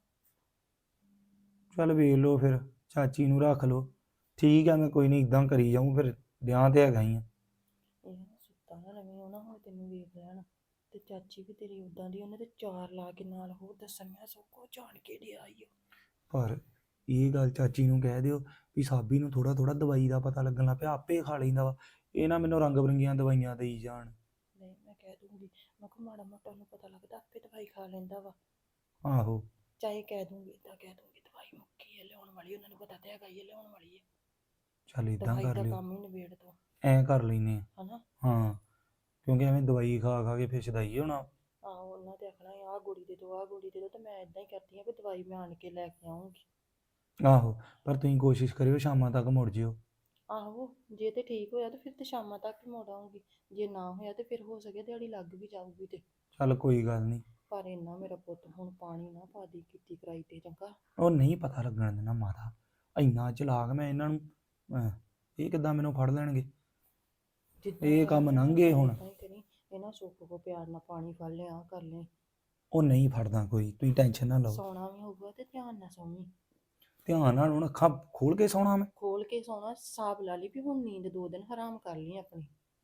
[SPEAKER 3] ਚੱਲ ਵੇਖ ਲਓ ਫਿਰ, ਚਾਚੀ ਨੂੰ ਰੱਖ ਲਓ। ਠੀਕ ਆ, ਮੈਂ ਕੋਈ ਨਹੀਂ ਇਦਾਂ ਕਰੀ ਜਾਊਂ ਫਿਰ, ਵਿਆਹ ਤੇ ਹੈਗਾ ਹੀ ਆ।
[SPEAKER 2] ਇਹ ਨਾ ਸੁੱਤਾ ਨਾ ਰਵੀਂ, ਉਹ ਨਾ ਹੁਣ ਤੈਨੂੰ ਵੇਖ ਲੈਣ। ਤੇ ਚਾਚੀ ਵੀ ਤੇਰੀ ਉਦਾਂ ਦੀ, ਉਹਨੇ ਤੇ ਚਾਰ ਲਾ ਕੇ ਨਾਲ ਹੋਰ ਦੱਸਣ, ਮੈਂ ਸਭ ਕੁਝ ਜਾਣ ਕੇ ਡਿਆ ਈ।
[SPEAKER 3] ਪਰ ਇਹ ਗੱਲ ਚਾਚੀ ਨੂੰ ਕਹਿ ਦਿਓ ਵੀ ਸਾਬੀ ਨੂੰ ਥੋੜਾ ਥੋੜਾ ਦਵਾਈ ਦਾ ਪਤਾ ਲੱਗਣ ਲੱਗ ਪਿਆ, ਆਪੇ ਖਾ ਲੈਂਦਾ ਵਾ। ਇਹ ਨਾ ਮੈਨੂੰ ਰੰਗ ਬਰੰਗੀਆਂ ਦਵਾਈਆਂ ਦੇਈ ਜਾਣ।
[SPEAKER 2] ਨਹੀਂ ਮੈਂ ਕਹਿ ਦੂੰਗੀ, ਮੈਂ ਕਿਹਾ ਮਾੜਾ ਮੋਟਾ ਨੂੰ ਪਤਾ ਲੱਗਦਾ ਆਪੇ ਦਵਾਈ ਖਾ ਲੈਂਦਾ ਵਾ।
[SPEAKER 3] ਆਹੋ
[SPEAKER 2] ਚਾਹੇ ਕਹਿ ਦੂੰਗੀ, ਇਦਾਂ ਕਹਿ ਦੂੰਗੀ ਦਵਾਈ ਮੁੱਕੀ ਹੈ ਲਿਆਉਣ ਵਾਲੀ, ਉਹਨਾਂ ਨੂੰ ਪਤਾ ਤੇ ਹੈਗਾ ਹੀ ਹੈ ਲਿਆਉਣ ਵਾਲੀ ਹੈ।
[SPEAKER 3] ਚੱਲ ਇਦਾਂ
[SPEAKER 2] ਦਵਾਈ
[SPEAKER 3] ਕਰ
[SPEAKER 2] ਦਾ
[SPEAKER 3] ਲਿਓ,
[SPEAKER 2] ਕੰਮ ਹੀ ਨਿਬੇੜ ਦੋ
[SPEAKER 3] ਐਂ ਕਰ ਲੈਨੇ ਆ।
[SPEAKER 2] ਹਨਾ।
[SPEAKER 3] ਹਾਂ ਕਿਉਂਕਿ ਐਵੇਂ ਦਵਾਈ ਖਾ ਖਾ ਕੇ ਫਿਰ ਸ਼ਦਾਈ ਹੋਣਾ।
[SPEAKER 2] ਆਹੋ ਉਹਨਾਂ ਤੇ ਆਖਣਾ ਆਹ ਗੋਲੀ ਦੇ ਦੋ ਆਹ ਗੋਲੀ ਦੇ ਦੋ, ਤੇ ਮੈਂ ਇਦਾਂ ਹੀ ਕਰਦੀ ਹਾਂ ਵੀ ਦਵਾਈ ਮੈਂ ਆਣ ਕੇ ਲੈ ਕੇ ਆਉਂਗੀ।
[SPEAKER 3] ਆਹੋ ਪਰ ਤੁਸੀਂ ਕੋਸ਼ਿਸ਼ ਕਰਿਓ ਸ਼ਾਮਾਂ ਤੱਕ ਮੁੜ ਜਿਓ।
[SPEAKER 2] ਆਹੋ ਜੇ ਤੇ ਠੀਕ ਹੋਇਆ ਤੇ ਫਿਰ ਤੇ ਸ਼ਾਮਾਂ ਤੱਕ ਹੀ ਮੁੜ ਆਉਂਗੀ, ਜੇ ਨਾ ਹੋਇਆ ਤੇ ਫਿਰ ਹੋ ਸਕੇ ਦਿਹਾੜੀ ਲੱਗ ਵੀ ਜਾਊਗੀ। ਤੇ
[SPEAKER 3] ਚੱਲ ਕੋਈ ਗੱਲ ਨਹੀਂ।
[SPEAKER 2] ਪਰ ਇੰਨਾ ਮੇਰਾ ਪੁੱਤ ਹੁਣ ਪਾਣੀ ਨਾ ਪਾ ਦੀ ਕੀਤੀ ਕਰਾਈ ਤੇ ਚੰਗਾ।
[SPEAKER 3] ਉਹ ਨਹੀਂ ਪਤਾ ਲੱਗਣ ਦੇਣਾ ਮਾਤਾ, ਇੰਨਾ ਚਲਾਕ ਮੈਂ ਇਹਨਾਂ ਨੂੰ। ਅਹ, ਇਹ ਕਿੱਦਾਂ ਮੈਨੂੰ ਫੜ ਲੈਣਗੇ?
[SPEAKER 2] ਜਿੱਦਾਂ
[SPEAKER 3] ਇਹ ਕੰਮ
[SPEAKER 2] ਕਰਨਾ
[SPEAKER 3] ਲੰਘ ਗਏ ਹੁਣ।
[SPEAKER 2] ਏਦਾਂ ਹੀ ਕਰੀ, ਇਹਨਾਂ ਸੁੱਖ ਕੋ ਪਿਆਰ ਨਾਲ ਪਾਣੀ ਫੜ ਲਿਆ ਕਰ ਲੈ।
[SPEAKER 3] ਉਹ ਨਹੀਂ ਫੜਦਾ ਕੋਈ, ਤੁਸੀਂ ਟੈਨਸ਼ਨ ਨਾ ਲਓ।
[SPEAKER 2] ਸੌਣਾ ਵੀ ਹੋਊਗਾ ਤੇ ਧਿਆਨ ਨਾਲ ਸੌਵੀਂ।
[SPEAKER 3] ਧਿਆਨ ਨਾਲ ਹੁਣ ਅੱਖਾਂ ਖੋਲ ਕੇ ਸੌਣਾ ਮੈਂ।
[SPEAKER 2] ਖੋਲ ਕੇ ਸੌਣਾ, ਹਿਸਾਬ ਲਾ ਲਈ ਵੀ ਹੁਣ ਨੀਂਦ ਦੋ ਦਿਨ ਹਰਾਮ ਕਰ ਲਈ ਆਪਣੀ।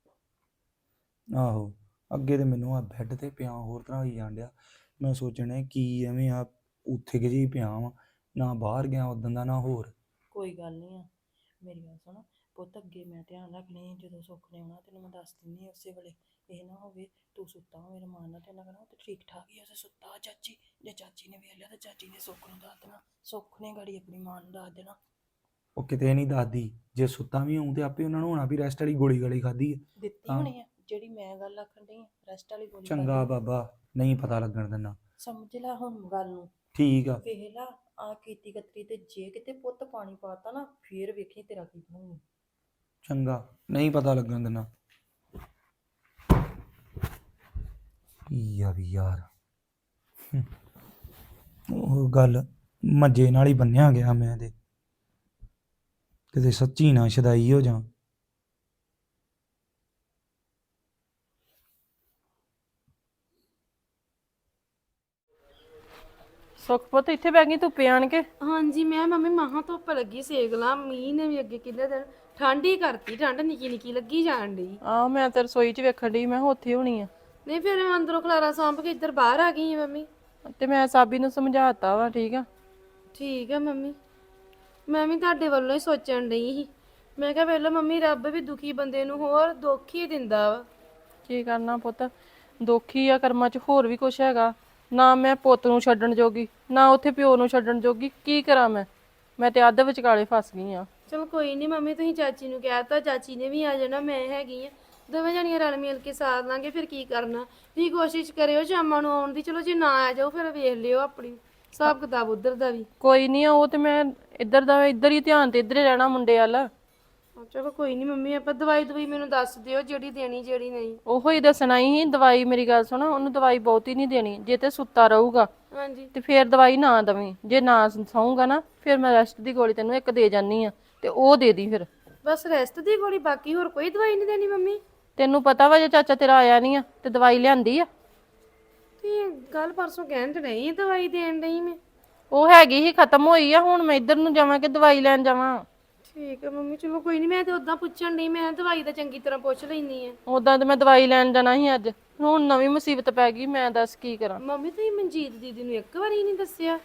[SPEAKER 3] ਆਹੋ ਅੱਗੇ ਤੇ ਮੈਨੂੰ ਆ ਬੈੱਡ ਤੇ ਪਿਆ ਹੋਰ ਤਰ੍ਹਾਂ ਹੋਈ ਜਾਣ ਡਿਆ। ਮੈਂ ਸੋਚਣਾ ਕੀ ਐਵੇਂ ਆ ਉੱਥੇ ਕਿ ਜਿਹੀ ਪਿਆ ਵਾਂ, ਨਾ ਬਾਹਰ ਗਿਆ ਉਦੋਂ ਦਾ ਨਾ ਹੋਰ।
[SPEAKER 2] ਕੋਈ ਗੱਲ ਨਹੀਂ ਆ, ਮੇਰੀ ਗੱਲ ਸੁਣ ਪੁੱਤ, ਅੱਗੇ ਮੈਂ ਧਿਆਨ ਰੱਖਣੀ, ਜਦੋਂ ਸੁੱਖ ਨੇ ਆਉਣਾ ਤੈਨੂੰ ਮੈਂ ਦੱਸ ਦਿੰਦੀ ਉਸੇ ਵੇਲੇ। ਇਹ ਨਾ ਹੋਵੇ ਤੂੰ ਸੁੱਤਾ ਹੋ ਮੇਰੇ ਮਾਂ ਨਾਲ ਤੇ ਇਹਨਾਂ ਕਹਿਣਾ ਉਹ ਤੇ ਠੀਕ ਠਾਕ ਹੀ ਆ, ਉਸੇ ਸੁੱਤਾ ਚਾਚੀ। ਜੇ ਚਾਚੀ ਨੇ ਵੇਖ ਲਿਆ ਤਾਂ ਚਾਚੀ ਨੇ ਸੁੱਖ ਨੂੰ ਦੱਸ ਦੇਣਾ, ਸੁੱਖ ਨੇ ਗਾੜੀ ਆਪਣੀ ਮਾਂ ਨੂੰ ਦੱਸ ਦੇਣਾ।
[SPEAKER 3] ਉਹ ਕਿਤੇ ਨਹੀਂ ਦੱਸਦੀ, ਜੇ ਸੁੱਤਾ ਵੀ ਹੋਊ ਤੇ ਆਪੇ ਉਹਨਾਂ ਨੂੰ ਹੋਣਾ ਵੀ ਰੈਸਟ ਵਾਲੀ ਗੋਲੀ ਗਾਲੀ ਖਾਧੀ ਹੈ।
[SPEAKER 2] ਦਿੱਤੀ
[SPEAKER 3] ਹਾਂ।
[SPEAKER 2] ਹੋਣੀ ਆ ਜਿਹੜੀ ਮੈਂ ਗੱਲ ਆਖਣ ਡਈ ਆ, ਰੈਸਟ ਵਾਲੀ ਗੋਲੀ
[SPEAKER 3] ਚੰਗਾ
[SPEAKER 2] ਖਾਧੀ।
[SPEAKER 3] ਬਾਬਾ ਨਹੀਂ ਪਤਾ ਲੱਗਣ ਦਿੰਦਾ।
[SPEAKER 2] ਸਮਝ ਲੈ ਹੁਣ ਗੱਲ ਨੂੰ।
[SPEAKER 3] ਠੀਕ ਆ।
[SPEAKER 2] ਵੇਖ ਲਾ ਆ ਕੀਤੀ ਕਤਰੀ ਤੇ ਜੇ ਕਿਤੇ ਪੁੱਤ ਪਾਣੀ ਪਾਤਾ ਨਾ ਫੇਰ ਵੇਖੀ ਤੇਰਾ ਕੀ ਬਣੂ।
[SPEAKER 3] ਚੰਗਾ ਨਹੀਂ ਪਤਾ ਲੱਗਣ ਦਿੰਦਾ। ਕੀ ਆ ਵੀ ਯਾਰ, ਹਮ, ਉਹ ਗੱਲ ਮੱਜੇ ਨਾਲ ਹੀ ਬੰਨਿਆ ਗਿਆ ਮੈਂ ਤੇ ਕਿਤੇ ਸੱਚੀ ਨਾ ਸ਼ਦਾਈ ਹੋ ਜਾ।
[SPEAKER 2] ਸੁੱਖ ਪੁੱਤ ਇੱਥੇ ਬੈ ਗਈ ਧੁੱਪੇ ਆਣ ਕੇ।
[SPEAKER 1] ਹਾਂਜੀ ਮੈਂ ਮੰਮੀ ਮਹਾਂ ਧੁੱਪ ਲੱਗੀ ਸੇਕ ਲਾ, ਮੀਂਹ ਨੇ ਵੀ ਅੱਗੇ ਕਿੰਨੇ ਦਿਨ ਠੰਡ ਹੀ ਕਰਤੀ, ਠੰਡ ਨਿੱਕੀ ਨਿੱਕੀ ਲੱਗੀ ਜਾਣ ਡਈ।
[SPEAKER 2] ਆਹ ਮੈਂ ਤੇ ਰਸੋਈ 'ਚ ਵੇਖਣ ਡਈ, ਮੈਂ ਕਿਹਾ ਉੱਥੇ ਹੋਣੀ ਆ।
[SPEAKER 1] ਨਹੀਂ ਫਿਰ ਮੈਂ ਅੰਦਰੋਂ ਖਲਾਰਾ ਸਾਂਭ ਕੇ ਇੱਧਰ ਬਾਹਰ ਆ ਗਈ ਹਾਂ ਮੰਮੀ।
[SPEAKER 2] ਤੇ ਮੈਂ ਸਾਬੀ ਨੂੰ ਸਮਝਾਤਾ ਵਾ, ਠੀਕ ਆ।
[SPEAKER 1] ਠੀਕ ਆ ਮੰਮੀ, ਮੈਂ ਵੀ ਤੁਹਾਡੇ ਵੱਲੋਂ ਹੀ ਸੋਚਣ ਡਈ ਸੀ। ਮੈਂ ਕਿਹਾ ਵੇਲੋ ਮੰਮੀ, ਰੱਬ ਵੀ ਦੁਖੀ ਬੰਦੇ ਨੂੰ ਹੋਰ ਦੁੱਖ ਹੀ ਦਿੰਦਾ ਵਾ।
[SPEAKER 2] ਕੀ ਕਰਨਾ ਪੁੱਤ, ਦੁਖੀ ਆ ਕਰਮਾਂ 'ਚ, ਹੋਰ ਵੀ ਕੁਛ ਹੈਗਾ। ਨਾ ਮੈਂ ਪੁੱਤ ਨੂੰ ਛੱਡਣ ਜੋਗੀ, ਨਾ ਉੱਥੇ ਪਿਓ ਨੂੰ ਛੱਡਣ ਜੋਗੀ, ਕੀ ਕਰਾਂ ਮੈਂ ਮੈਂ ਤੇ ਅੱਧ ਵਿਚਕਾਲੇ ਫਸ ਗਈ ਆ।
[SPEAKER 1] ਚਲੋ ਕੋਈ ਨਹੀਂ ਮੰਮੀ, ਤੁਸੀਂ ਚਾਚੀ ਨੂੰ ਕਹਿਤਾ, ਚਾਚੀ ਨੇ ਵੀ ਆ ਜਾਣਾ, ਮੈਂ ਹੈਗੀ ਆ, ਦੋਵੇਂ ਜਣੀਆਂ ਰਲ ਮਿਲ ਕੇ ਸਾਰ ਲਾਂਗੇ। ਫਿਰ ਕੀ ਕਰਨਾ, ਤੁਸੀਂ ਕੋਸ਼ਿਸ਼ ਕਰਿਓ ਸ਼ਾਮਾਂ ਨੂੰ ਆਉਣ ਦੀ। ਚਲੋ ਜੇ ਨਾ ਆ ਜਾਓ ਫਿਰ ਵੇਖ ਲਿਓ ਆਪਣੀ ਹਿਸਾਬ ਕਿਤਾਬ ਉਧਰ ਦਾ ਵੀ।
[SPEAKER 2] ਕੋਈ ਨਹੀਂ ਆ, ਉਹ ਤੇ ਮੈਂ ਇੱਧਰ ਦਾ ਇੱਧਰ ਹੀ ਧਿਆਨ ਤੇ ਇੱਧਰ ਹੀ ਰਹਿਣਾ ਮੁੰਡੇ ਵੱਲ।
[SPEAKER 1] ਚਲੋ ਕੋਈ ਨਹੀਂ ਮੰਮੀ, ਆਪਾਂ ਦਵਾਈ ਦਵਾਈ ਮੈਨੂੰ ਦੱਸ ਦਿਓ ਜਿਹੜੀ ਦੇਣੀ ਜਿਹੜੀ ਨਹੀਂ।
[SPEAKER 2] ਉਹੋ ਹੀ ਦੱਸਣਾ ਹੀ ਦਵਾਈ। ਮੇਰੀ ਗੱਲ ਸੁਣ, ਉਹਨੂੰ ਦਵਾਈ ਬਹੁਤੀ ਨਹੀਂ ਦੇਣੀ, ਜੇ ਤੇ ਸੁੱਤਾ ਰਹੂਗਾ
[SPEAKER 1] ਹਾਂਜੀ
[SPEAKER 2] ਤੇ ਫੇਰ ਦਵਾਈ ਨਾ ਦਵੀਂ, ਜੇ ਨਾ ਸੌਂਗਾ ਨਾ ਫਿਰ ਮੈਂ ਰੈਸਟ ਦੀ ਗੋਲੀ ਤੈਨੂੰ ਇੱਕ ਦੇ ਜਾਨੀ ਆ, ਤੇ ਉਹ ਦੇ ਦੀ ਫਿਰ।
[SPEAKER 1] ਬਸ ਰੈਸਟ ਦੀ ਗੋਲੀ, ਬਾਕੀ ਹੋਰ ਕੋਈ ਦਵਾਈ ਨਹੀਂ ਦੇਣੀ ਮੰਮੀ?
[SPEAKER 2] ਤੈਨੂੰ ਪਤਾ ਵਾ ਜੇ ਚਾਚਾ ਤੇਰਾ ਆਇਆ ਨਹੀਂ ਆ ਤੇ ਦਵਾਈ ਲਿਆਂਦੀ ਆ।
[SPEAKER 1] ਤੁਸੀਂ ਕੱਲ ਪਰਸੋਂ ਕਹਿਣ ਤੇ ਨਹੀਂ ਦਵਾਈ ਦੇਣ ਡਈ ਮੈਂ।
[SPEAKER 2] ਉਹ ਹੈਗੀ ਹੀ ਖਤਮ ਹੋਈ ਆ, ਹੁਣ ਮੈਂ ਇੱਧਰ ਨੂੰ ਜਾਵਾਂ ਕਿ ਦਵਾਈ ਲੈਣ ਜਾਵਾਂ?
[SPEAKER 1] ਠੀਕ ਹੈ ਮੰਮੀ, ਚਲੋ ਕੋਈ ਨਹੀਂ, ਮੈਂ ਤੇ ਉਦਾਂ ਪੁੱਛਣ ਡਈ, ਮੈਂ ਦਵਾਈ ਦਾ ਚੰਗੀ ਤਰ੍ਹਾਂ ਪੁੱਛ ਲੈਣੀ ਆ।
[SPEAKER 2] ਉਦਾਂ ਤੇ ਮੈਂ ਦਵਾਈ ਲੈਣ ਜਾਣਾ ਸੀ ਅੱਜ, ਹੁਣ ਨਵੀਂ ਮੁਸੀਬਤ ਪੈ ਗਈ, ਮੈਂ ਦੱਸ ਕੀ ਕਰਾਂ।
[SPEAKER 1] ਮੰਮੀ ਤੁਸੀਂ ਮਨਜੀਤ ਦੀਦੀ ਨੂੰ ਇੱਕ ਵਾਰੀ ਨਹੀਂ ਦੱਸਿਆ?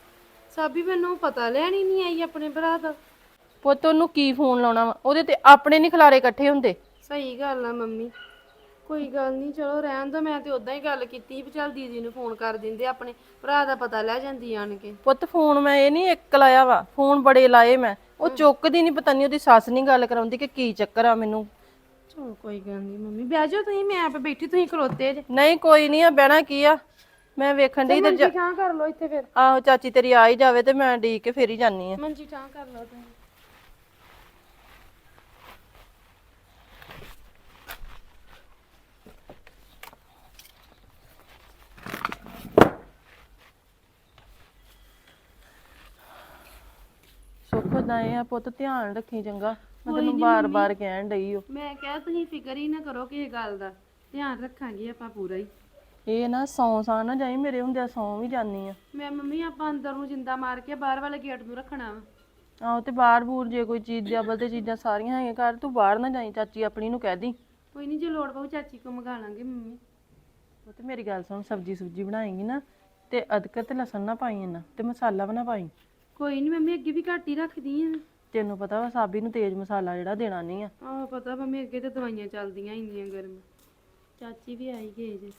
[SPEAKER 1] ਸਾਬੀ ਮੈਨੂੰ ਪਤਾ ਲੈਣ ਹੀ ਨਹੀਂ ਆਈ ਆਪਣੇ ਭਰਾ ਦਾ।
[SPEAKER 2] ਪੁੱਤ ਉਹਨੂੰ ਕੀ ਫੋਨ ਲਾਉਣਾ ਵਾ, ਉਹਦੇ ਤੇ ਆਪਣੇ ਨਹੀਂ ਖਲਾਰੇ ਇਕੱਠੇ ਹੁੰਦੇ।
[SPEAKER 1] ਸਹੀ ਗੱਲ ਆ ਮੰਮੀ, ਕੋਈ ਗੱਲ ਨਹੀਂ, ਚਲੋ ਰਹਿਣ ਦੋ। ਮੈਂ ਤੇ ਉਦਾਂ ਹੀ ਗੱਲ ਕੀਤੀ ਸੀ ਵੀ ਚੱਲ ਦੀਦੀ ਨੂੰ ਫੋਨ ਕਰ ਦਿੰਦੇ, ਆਪਣੇ ਭਰਾ ਦਾ ਪਤਾ ਲੈ ਜਾਂਦੀ ਆਣ ਕੇ।
[SPEAKER 2] ਪੁੱਤ ਫੋਨ ਮੈਂ ਇਹ ਨਹੀਂ ਇੱਕ ਲਾਇਆ ਵਾ, ਫੋਨ ਬੜੇ ਲਾਏ ਮੈਂ, ਉਹ ਚੁੱਕਦੀ ਨਹੀਂ, ਪਤਾ ਨਹੀਂ ਉਹਦੀ ਸੱਸ ਨਹੀਂ ਗੱਲ ਕਰਾਉਂਦੀ ਕਿ ਕੀ ਚੱਕਰ ਆ ਮੈਨੂੰ।
[SPEAKER 1] ਚਲੋ ਕੋਈ ਗੱਲ ਨਹੀਂ ਮੰਮੀ, ਬਹਿ ਜਾਓ ਤੁਸੀਂ, ਮੈਂ ਆਪੇ ਬੈਠੀ, ਤੁਸੀਂ ਖਲੋਤੇ ਜੇ।
[SPEAKER 2] ਨਹੀਂ ਕੋਈ ਨਹੀਂ ਆ, ਬਹਿਣਾ ਕੀ ਆ, ਮੈਂ ਵੇਖਣ ਡਈ ਤੇ
[SPEAKER 1] ਮੰਜੀ ਠਾਂ ਕਰ ਲਓ ਇੱਥੇ ਫਿਰ।
[SPEAKER 2] ਆਹੋ ਚਾਚੀ ਤੇਰੀ ਆ ਹੀ ਜਾਵੇ ਤੇ ਮੈਂ ਢੀਕ ਕੇ ਫੇਰ ਹੀ ਜਾਨੀ ਆ।
[SPEAKER 1] ਮੰਜੀ ਠਾਂ ਕਰ ਲਓ ਤੁਸੀਂ।
[SPEAKER 2] ਸੁੱਖ ਦਾ ਇਹ ਆ ਪੁੱਤ, ਧਿਆਨ ਰੱਖੀ ਚੰਗਾ, ਮੈਂ ਤੈਨੂੰ ਬਾਰ-ਬਾਰ ਕਹਿਣ ਡਈ ਓ।
[SPEAKER 1] ਮੈਂ ਕਿਹਾ ਤੁਸੀਂ ਫਿਕਰ ਹੀ ਨਾ ਕਰੋ ਕਿਸੇ ਗੱਲ ਦਾ, ਧਿਆਨ ਰੱਖਾਂਗੇ ਆਪਾਂ ਪੂਰਾ ਹੀ।
[SPEAKER 2] ਇਹ ਨਾ ਸੌਂ ਸਾਂ ਨਾ ਜਾਈ, ਮੇਰੇ ਹੁੰਦਿਆਂ ਸੌਂ ਵੀ ਜਾਨੀ ਆ।
[SPEAKER 1] ਮੈਂ ਮੰਮੀ ਆਪਾਂ ਅੰਦਰ ਨੂੰ ਜਿੰਦਾ ਮਾਰ ਕੇ ਬਾਹਰ ਵਾਲੇ ਗੇਟ ਨੂੰ ਰੱਖਣਾ ਵਾ।
[SPEAKER 2] ਆਹੋ ਤੇ ਬਾਹਰ ਬੂਰ ਜੇ ਕੋਈ ਚੀਜ਼ ਦੇ ਅਬਲ ਤੇ ਚੀਜ਼ਾਂ ਸਾਰੀਆਂ ਹੈਗੀਆਂ ਘਰ, ਤੂੰ ਬਾਹਰ ਨਾ ਜਾਈ, ਚਾਚੀ ਆਪਣੀ ਨੂੰ ਕਹਿ ਦੀ।
[SPEAKER 1] ਕੋਈ ਨਹੀਂ, ਜੇ ਲੋੜ ਪਊ ਚਾਚੀ ਕੋ ਮੰਗਾ ਲਾਂਗੇ ਮੰਮੀ।
[SPEAKER 2] ਉਹ ਤੇ ਮੇਰੀ ਗੱਲ ਸੁਣ, ਸਬਜੀ ਸੁਬਜੀ ਬਣਾਏਂਗੀ ਨਾ ਤੇ ਅਦਰਕ ਤੇ ਲਸਣ ਨਾ ਪਾਈ, ਇਹਨਾਂ ਤੇ ਮਸਾਲਾ ਵੀ ਨਾ ਪਾਈ।
[SPEAKER 1] ਕੋਈ ਨਹੀਂ ਮੰਮੀ ਅੱਗੇ ਵੀ ਘੱਟ ਹੀ ਰੱਖਦੀ ਆ।
[SPEAKER 2] ਤੈਨੂੰ ਪਤਾ ਵਾ ਸਾਬੀ ਨੂੰ ਤੇਜ਼ ਮਸਾਲਾ ਜਿਹੜਾ ਦੇਣਾ ਨਹੀਂ ਆ।
[SPEAKER 1] ਆਹ ਪਤਾ ਮੰਮੀ ਅੱਗੇ ਤੇ ਦਵਾਈਆਂ ਚੱਲਦੀਆਂ ਇੰਨੀਆਂ ਗਰਮ। ਚਾਚੀ ਵੀ ਆਈ ਗਏ ਜੇ।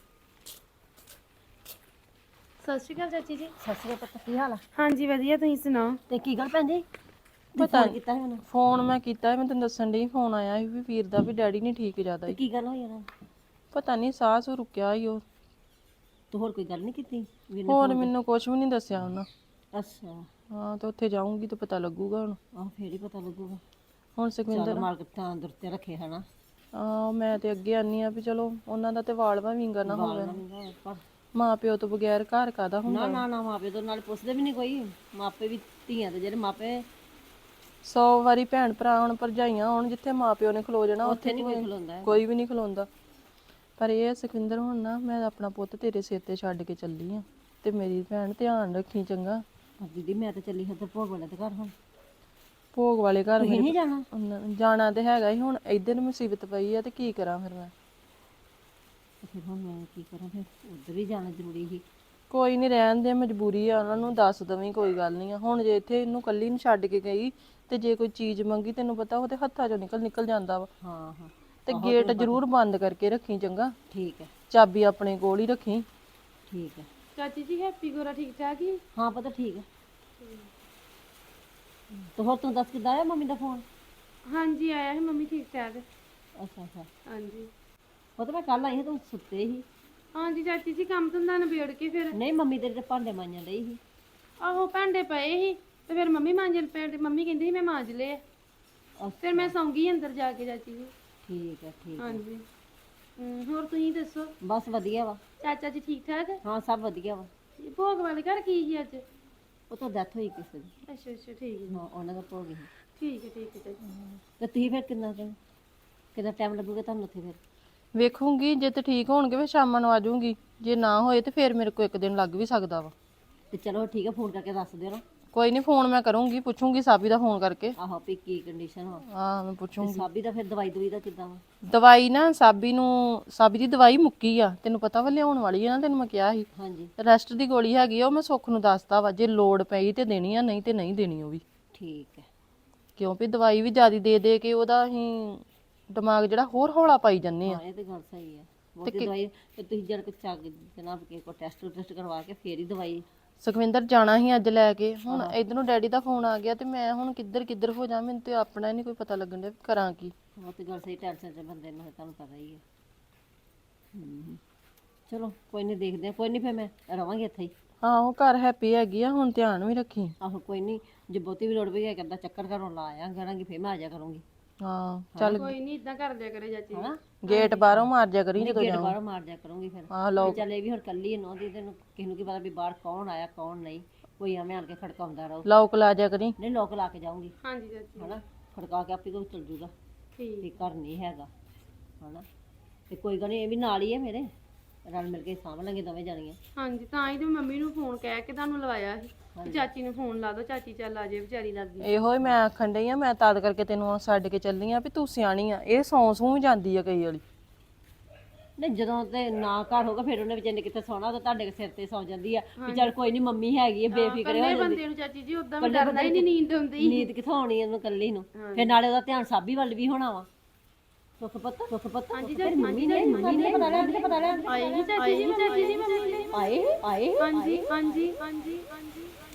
[SPEAKER 1] ਸਤਿ ਸ਼੍ਰੀ ਅਕਾਲ ਚਾਚੀ ਜੀ।
[SPEAKER 4] ਸਤਿ ਸ਼੍ਰੀ ਅਕਾਲ, ਕੀ ਹਾਲ ਆ?
[SPEAKER 1] ਹਾਂਜੀ ਵਧੀਆ, ਤੁਸੀਂ ਸੁਣਾਓ?
[SPEAKER 4] ਤੇ ਕੀ ਗੱਲ ਭੈਣ ਜੀ?
[SPEAKER 2] ਪਤਾ
[SPEAKER 4] ਕੀਤਾ ਸੀ ਮੈਨੂੰ?
[SPEAKER 2] ਫੋਨ ਮੈਂ ਕੀਤਾ, ਮੈਂ ਤੈਨੂੰ ਦੱਸਣ ਡਈ ਫੋਨ ਆਇਆ ਸੀ ਵੀ ਵੀਰ ਦਾ ਵੀ ਡੈਡੀ ਨਹੀਂ ਠੀਕ ਜ਼ਿਆਦਾ
[SPEAKER 4] ਤੇ
[SPEAKER 2] ਹੀ।
[SPEAKER 4] ਕੀ ਗੱਲ ਹੋਈ ਉਹਨਾਂ ਨੂੰ?
[SPEAKER 2] ਪਤਾ ਨਹੀਂ ਸਾਹ ਸੂ ਰੁਕਿਆ ਹੀ ਉਹ।
[SPEAKER 4] ਤੂੰ ਹੋਰ ਕੋਈ ਗੱਲ ਨਹੀਂ ਕੀਤੀ ਵੀਰ ਨੇ?
[SPEAKER 2] ਹੋਰ ਮੈਨੂੰ ਕੁਝ ਵੀ ਨਹੀਂ ਦੱਸਿਆ ਉਹਨਾਂ।
[SPEAKER 4] ਅੱਛਾ,
[SPEAKER 2] ਹਾਂ ਤੇ ਉੱਥੇ ਜਾਊਂਗੀ ਤਾਂ ਪਤਾ ਲੱਗੂਗਾ ਹੁਣ।
[SPEAKER 4] ਆਹ ਫੇਰ ਹੀ ਪਤਾ ਲੱਗੂਗਾ।
[SPEAKER 2] ਹੁਣ
[SPEAKER 4] ਚੱਲ
[SPEAKER 2] ਸੁਖਵਿੰਦਰ
[SPEAKER 4] ਮਾਲਕ ਤਾਂ ਅੰਦਰ ਤੇ ਰੱਖੇ ਹਨਾ।
[SPEAKER 2] ਆ ਮੈਂ ਤੇ ਅੱਗੇ ਆਨੀ ਆ ਵੀ ਚਲੋ ਉਹਨਾਂ ਦਾ ਤੇ ਵਾਲ ਭਾਵੀਂਗਾ ਨਾ ਹੋਵੇ।
[SPEAKER 4] ਪਰ
[SPEAKER 2] ਮਾਂ ਪਿਓ ਤੋਂ ਬਗੈਰ ਘਰ ਕਾਦਾ ਹੁੰਦਾ।
[SPEAKER 4] ਨਾ ਨਾ ਨਾ ਮਾਪੇ ਤੋਂ ਨਾਲ ਪੁੱਛਦੇ ਵੀ ਨਹੀਂ ਕੋਈ। ਮਾਪੇ ਵੀ ਧੀਆਂ ਦੇ ਜਿਹੜੇ ਮਾਪੇ
[SPEAKER 2] ਸੌ ਵਾਰੀ ਭੈਣ ਭਰਾ ਹੁਣ ਭਰਜਾਈਆਂ ਹੁਣ ਜਿੱਥੇ ਮਾਂ ਪਿਓ ਨੇ ਖਲੋ ਜਾਣਾ
[SPEAKER 4] ਉੱਥੇ ਨਹੀਂ ਕੋਈ ਖਲੋਂਦਾ।
[SPEAKER 2] ਕੋਈ ਵੀ ਨਹੀਂ ਖਲੋਂਦਾ। ਪਰ ਇਹ ਆ ਸੁਖਵਿੰਦਰ ਹੁਣ ਨਾ ਮੈਂ ਆਪਣਾ ਪੁੱਤ ਤੇਰੇ ਸਿਰ ਤੇ ਛੱਡ ਕੇ ਚੱਲੀ ਆ ਤੇ ਮੇਰੀ ਭੈਣ ਧਿਆਨ ਰੱਖੀ ਚੰਗਾ।
[SPEAKER 4] ਪਰ ਦੀਦੀ ਮੈਂ ਤਾਂ ਚੱਲੀ ਹਾਂ ਤੇ ਭੋਗ ਵਾਲੇ ਦੇ ਘਰ ਹੁਣ।
[SPEAKER 2] ਭੋਗ ਵਾਲੇ ਘਰ
[SPEAKER 4] ਤੁਸੀਂ ਨਹੀਂ ਜਾਣਾ?
[SPEAKER 2] ਉਹਨਾਂ- ਜਾਣਾ ਤੇ ਹੈਗਾ ਹੀ ਹੁਣ ਇੱਧਰ ਮੁਸੀਬਤ ਪਈ ਆ ਤੇ ਕੀ ਕਰਾਂ ਫਿਰ ਮੈਂ।
[SPEAKER 4] ਤੇ ਫਿਰ ਹੁਣ ਮੈਂ ਕੀ ਕਰਾਂ? ਫਿਰ ਉੱਧਰ ਹੀ ਜਾਣਾ ਜ਼ਰੂਰੀ ਸੀ।
[SPEAKER 2] ਕੋਈ ਨਹੀਂ ਰਹਿਣ ਦੇ, ਮਜਬੂਰੀ ਆ ਉਹਨਾਂ ਨੂੰ ਦੱਸ ਦਵੀਂ ਕੋਈ ਗੱਲ ਨਹੀਂ ਆ। ਹੁਣ ਜੇ ਇੱਥੇ ਇਹਨੂੰ ਕੱਲੀ ਨੂੰ ਛੱਡ ਕੇ ਗਈ ਤੇ ਜੇ ਕੋਈ ਚੀਜ਼ ਮੰਗੀ ਤੈਨੂੰ ਪਤਾ ਉਹਦੇ ਹੱਥਾਂ ਚੋਂ ਨਿਕਲ ਨਿਕਲ ਜਾਂਦਾ ਵਾ।
[SPEAKER 4] ਹਾਂ ਹਾਂ
[SPEAKER 2] ਤੇ ਗੇਟ ਜ਼ਰੂਰ ਬੰਦ ਕਰਕੇ ਰੱਖੀ ਚੰਗਾ।
[SPEAKER 4] ਠੀਕ ਹੈ
[SPEAKER 2] ਚਾਬੀ ਆਪਣੇ ਕੋਲ ਹੀ ਰੱਖੀ।
[SPEAKER 4] ਠੀਕ ਹੈ।
[SPEAKER 1] ਚਾਚੀ ਜੀ ਹੈਪੀ ਗੋਰਾ ਠੀਕ ਠਾਕ ਹੀ?
[SPEAKER 4] ਹਾਂ ਪਤਾ ਠੀਕ ਹੈ। ਤੇ ਹੋਰ ਤੂੰ ਦੱਸ ਕਿੱਦਾਂ ਆਇਆ ਮੰਮੀ ਦਾ ਫੋਨ?
[SPEAKER 1] ਹਾਂਜੀ ਆਇਆ ਸੀ ਮੰਮੀ ਠੀਕ ਠਾਕ।
[SPEAKER 4] ਅੱਛਾ ਅੱਛਾ।
[SPEAKER 1] ਹਾਂਜੀ
[SPEAKER 4] ਉਹ ਤਾਂ ਮੈਂ ਕੱਲ ਆਈ ਸੀ ਤੂੰ ਸੁੱਤੇ ਸੀ।
[SPEAKER 1] ਹਾਂਜੀ ਚਾਚੀ ਜੀ ਕੰਮ ਧੰਦਾ ਨਿਬੇੜ ਕੇ ਫਿਰ
[SPEAKER 4] ਨਹੀਂ ਮੰਮੀ ਤੇਰੇ ਤੇ ਭਾਂਡੇ ਮਾਂਜਣ ਡਈ ਸੀ।
[SPEAKER 1] ਆਹੋ ਭਾਂਡੇ ਪਏ ਸੀ ਤੇ ਫਿਰ ਮੰਮੀ ਮਾਂਜਣ ਪਏ ਤੇ ਮੰਮੀ ਕਹਿੰਦੀ ਸੀ ਮੈਂ ਮਾਂਜ ਲਏ। ਫਿਰ ਮੈਂ ਸੌਂ ਗਈ ਅੰਦਰ ਜਾ ਕੇ ਚਾਚੀ ਜੀ।
[SPEAKER 4] ਠੀਕ ਹੈ ਠੀਕ ਹੈ।
[SPEAKER 1] ਹਾਂਜੀ ਹਮ, ਹੋਰ ਤੁਸੀਂ ਦੱਸੋ
[SPEAKER 4] ਬਸ ਵਧੀਆ ਵਾ।
[SPEAKER 1] ਚਾਚਾ ਜੀ ਠੀਕ ਠਾਕ?
[SPEAKER 4] ਹਾਂ ਸਭ ਵਧੀਆ ਵਾ।
[SPEAKER 1] ਭੋਗ ਵਾਲੇ ਘਰ ਕੀ ਸੀ ਅੱਜ?
[SPEAKER 4] ਉਹ ਤਾਂ ਡੈਥ ਹੋਈ ਕਿਸੇ ਦੀ।
[SPEAKER 1] ਅੱਛਾ ਅੱਛਾ ਠੀਕ ਹੈ
[SPEAKER 4] ਹਾਂ ਉਹਨਾਂ ਦਾ ਭੋਗ ਸੀ।
[SPEAKER 1] ਠੀਕ ਹੈ ਠੀਕ ਹੈ ਚਾਚੀ।
[SPEAKER 4] ਤੇ ਤੁਸੀਂ ਫਿਰ ਕਿੰਨਾ ਦਿਨ ਕਿੰਨਾ ਟਾਈਮ ਲੱਗੂਗਾ ਤੁਹਾਨੂੰ ਉੱਥੇ ਫਿਰ?
[SPEAKER 2] ਵੇਖੂੰਗੀ ਜੇ ਤੇ ਠੀਕ ਹੋਣਗੇ ਫਿਰ ਸ਼ਾਮਾਂ ਨੂੰ ਆ ਜਾਊਂਗੀ। ਜੇ ਨਾ ਹੋਏ ਤੇ ਫਿਰ ਮੇਰੇ ਕੋਲ ਇੱਕ ਦਿਨ ਲੱਗ ਵੀ ਸਕਦਾ ਵਾ।
[SPEAKER 4] ਤੇ ਚਲੋ ਠੀਕ ਹੈ ਫੋਨ ਕਰਕੇ ਦੱਸ ਦਿਓ ਨਾ।
[SPEAKER 2] ਕੋਈ ਨਹੀਂ ਫੋਨ ਮੈਂ ਕਰੂੰਗੀ, ਪੁੱਛੂੰਗੀ ਸਾਬੀ ਦਾ ਫੋਨ ਕਰਕੇ।
[SPEAKER 4] ਆਹੋ ਵੀ ਕੀ ਕੰਡੀਸ਼ਨ ਵਾ।
[SPEAKER 2] ਹਾਂ ਮੈਂ
[SPEAKER 4] ਤੇ
[SPEAKER 2] ਪੁੱਛੂੰਗੀ।
[SPEAKER 4] ਸਾਬੀ ਦਾ ਫਿਰ ਦਵਾਈ ਦਵਾਈ ਦਾ ਕਿੱਦਾਂ ਵਾ?
[SPEAKER 2] ਦਵਾਈ ਨਾ ਸਾਬੀ ਨੂੰ ਸਾਬੀ ਦੀ ਦਵਾਈ ਮੁੱਕੀ ਆ, ਤੈਨੂੰ ਪਤਾ ਵਾ ਲਿਆਉਣ ਵਾਲੀ ਆ ਨਾ, ਤੈਨੂੰ ਮੈਂ ਕਿਹਾ ਸੀ।
[SPEAKER 4] ਹਾਂਜੀ
[SPEAKER 2] ਰੈਸਟ ਦੀ ਗੋਲੀ ਹੈਗੀ ਆ, ਉਹ ਮੈਂ ਸੁੱਖ ਨੂੰ ਦੱਸਤਾ ਵਾ ਜੇ ਲੋੜ ਪਈ ਤੇ ਦੇਣੀ ਆ, ਨਹੀਂ ਤੇ ਨਹੀਂ ਦੇਣੀ ਉਹ ਵੀ।
[SPEAKER 4] ਠੀਕ ਹੈ।
[SPEAKER 2] ਕਿਉਂ ਵੀ ਦਵਾਈ ਵੀ ਜ਼ਿਆਦਾ ਦੇ ਦੇ ਕੇ ਉਹਦਾ ਅਸੀਂ ਦਿਮਾਗ ਜਿਹੜਾ ਹੋਰ ਹੌਲਾ ਪਾਈ ਜੰਨੇ ਆ।
[SPEAKER 4] ਹਾਂ ਇਹ ਤੇ ਗੱਲ ਸਹੀ ਹੈ। ਬਹੁਤੀ ਦਵਾਈ ਤੇ ਤੁਸੀਂ ਜਦ ਕੋਈ ਚੱਗ ਜਨਾਬ ਕੇ ਕੋ ਟੈਸਟ ਟੈਸਟ ਕਰਵਾ ਕੇ ਫੇਰ ਹੀ ਦਵਾਈ।
[SPEAKER 2] ਸੁਖਵਿੰਦਰ ਜਾਣਾ ਸੀ ਅੱਜ ਲੈ ਕੇ, ਹੁਣ ਇਧਰੋਂ ਡੈਡੀ ਦਾ ਫੋਨ ਆ ਗਿਆ ਤੇ ਮੈਂ ਹੁਣ ਕਿੱਧਰ ਕਿੱਧਰ ਹੋ ਜਾ, ਮੈਨੂੰ ਤੇ ਆਪਣਾ ਹੀ ਨਹੀਂ ਕੋਈ ਪਤਾ ਲੱਗਣ ਡਿਆ ਵੀ ਕਰਾਂ ਕੀ।
[SPEAKER 4] ਉਹ ਤੇ ਗੱਲ ਸਹੀ, ਟੈਨਸ਼ਨ ਚ ਬੰਦੇ ਨੂੰ ਤੁਹਾਨੂੰ ਪਤਾ ਹੀ ਹੈ। ਹਮ, ਚਲੋ ਕੋਈ ਨਹੀਂ ਦੇਖਦੇ ਹਾਂ। ਕੋਈ ਨਹੀਂ ਫਿਰ ਮੈਂ ਰਵਾਂਗੀ ਇੱਥੇ ਹੀ।
[SPEAKER 2] ਹਾਂ ਉਹ ਘਰ ਹੈਪੀ ਹੈਗੀ ਆ, ਹੁਣ ਧਿਆਨ ਵੀ ਰੱਖੀ।
[SPEAKER 4] ਆਹੋ ਕੋਈ ਨਹੀਂ, ਜੇ ਬਹੁਤੀ ਵੀ ਲੋੜ ਪਈ ਹੈ ਕਰਦਾ ਚੱਕਰ ਘਰੋਂ ਲਾ ਆਇਆ ਕਰਾਂਗੀ, ਫਿਰ ਮੈਂ ਆ ਜਾ ਕਰੂੰਗੀ।
[SPEAKER 2] ਹਾਂ ਚੱਲ
[SPEAKER 1] ਕੋਈ ਨਹੀਂ ਇਦਾਂ ਕਰ ਦਿਆ ਕਰੇ ਚਾਚੀ।
[SPEAKER 4] ਹਨਾ
[SPEAKER 2] ਗੇਟ ਬਾਹਰੋਂ ਮਾਰ ਜਾ ਕਰੀ ਜਦੋਂ
[SPEAKER 4] ਗੇਟ ਬਾਹਰੋਂ ਮਾਰ ਜਾ ਕਰੂੰਗੀ ਫਿਰ।
[SPEAKER 2] ਹਾਂ ਲਓ
[SPEAKER 4] ਚੱਲ ਇਹ ਵੀ ਹੁਣ ਕੱਲੀ ਨੋ ਦੀ, ਤੈਨੂੰ ਕਿਸੇ ਨੂੰ ਕੀ ਪਤਾ ਵੀ ਬਾਹਰ ਕੌਣ ਆਇਆ ਕੌਣ ਨਹੀਂ। ਕੋਈ ਐਵੇਂ ਆਣ ਕੇ ਖੜਕਾਉਂਦਾ ਰਹੋ।
[SPEAKER 2] ਲੌਕ ਲਾ ਜਾ ਕਰੀ।
[SPEAKER 4] ਨਹੀਂ ਲੋਕ ਲਾ ਕੇ ਜਾਊਂਗੀ
[SPEAKER 1] ਹਾਂਜੀ ਚਾਚੀ
[SPEAKER 4] ਹਨਾ, ਖੜਕਾ ਕੇ ਆਪੇ ਕੋਈ ਚਲ ਜੂਗਾ
[SPEAKER 1] ਠੀਕ।
[SPEAKER 4] ਵੀ ਘਰ ਨਹੀਂ ਹੈਗਾ ਹਨਾ। ਤੇ ਕੋਈ ਗੱਲ ਨਹੀਂ, ਇਹ ਵੀ ਨਾਲ ਹੀ ਹੈ ਮੇਰੇ, ਰਲ ਮਿਲ ਕੇ ਸਾਂਭ ਲਾਂਗੇ ਦੋਵੇਂ ਜਾਣੀਆਂ।
[SPEAKER 1] ਹਾਂਜੀ ਤਾਂ ਹੀ ਤੇ ਮੰਮੀ ਨੂੰ ਫੋਨ ਕਹਿ ਕੇ ਤੁਹਾਨੂੰ ਲਵਾਇਆ ਸੀ ਕਿ ਚਾਚੀ ਨੂੰ ਫੋਨ ਲਾ ਦੋ, ਚਾਚੀ ਚੱਲ ਆ ਜੇ ਵਿਚਾਰੀ ਲੱਗੀ।
[SPEAKER 2] ਇਹੋ ਹੀ ਮੈਂ ਆਖਣ ਡਈ ਆ, ਮੈਂ ਤਦ ਕਰਕੇ ਤੈਨੂੰ ਛੱਡ ਕੇ ਚੱਲੀ ਆ ਵੀ ਤੂੰ ਸਿਆਣੀ ਆ। ਇਹ ਸੌਂ ਸੂ ਵੀ ਜਾਂਦੀ ਆ ਕਈ ਵਾਲੀ।
[SPEAKER 4] ਨਹੀਂ ਜਦੋਂ ਤੇ ਨਾ ਘਰ ਹੋਗਾ ਫਿਰ ਉਹਨੇ ਵਿਚਾਰੇ ਕਿੱਥੇ ਸੌਣਾ, ਤਾਂ ਤੁਹਾਡੇ ਸਿਰ ਤੇ ਸੌ ਜਾਂਦੀ ਆ ਵੀ ਚੱਲ ਕੋਈ ਨਹੀਂ ਮੰਮੀ ਹੈਗੀ ਹੈ, ਬੇਫਿਕਰੇ ਹੋ
[SPEAKER 1] ਕੱਲੇ
[SPEAKER 4] ਜਾਂਦੀ।
[SPEAKER 1] ਬੰਦੇ ਨੂੰ ਚਾਚੀ ਜੀ ਉਦਾਂ ਵੀ ਡਰਦਾ ਹੀ ਨਹੀਂ, ਨੀਂਦ ਆਉਂਦੀ।
[SPEAKER 4] ਨੀਂਦ ਕਿੱਥੋਂ ਆਉਣੀ ਇਹਨੂੰ ਕੱਲੀ ਨੂੰ? ਫਿਰ ਨਾਲੇ ਉਹਦਾ ਧਿਆਨ ਸਾਬੀ ਵੱਲ ਵੀ ਹੋਣਾ ਵਾ। ਸੁੱਖ ਪੁੱਤ ਸੁੱਖ ਪੁੱਤ
[SPEAKER 1] ਹਾਂਜੀ
[SPEAKER 4] ਤੇਰੀ ਮੰਮੀ ਨੇ ਮੰਮੀ ਨੇ ਪਤਾ ਲੈਣ ਪਤਾ ਲੈਣ
[SPEAKER 1] ਆਏ ਹੀ ਚਾਚੀ ਜੀ, ਚਾਚੀ ਜੀ ਮੰਮੀ ਨੇ
[SPEAKER 4] ਆਏ ਆਏ
[SPEAKER 1] ਹਾਂਜੀ ਹਾਂਜੀ ਹਾਂਜੀ ਹਾਂਜੀ।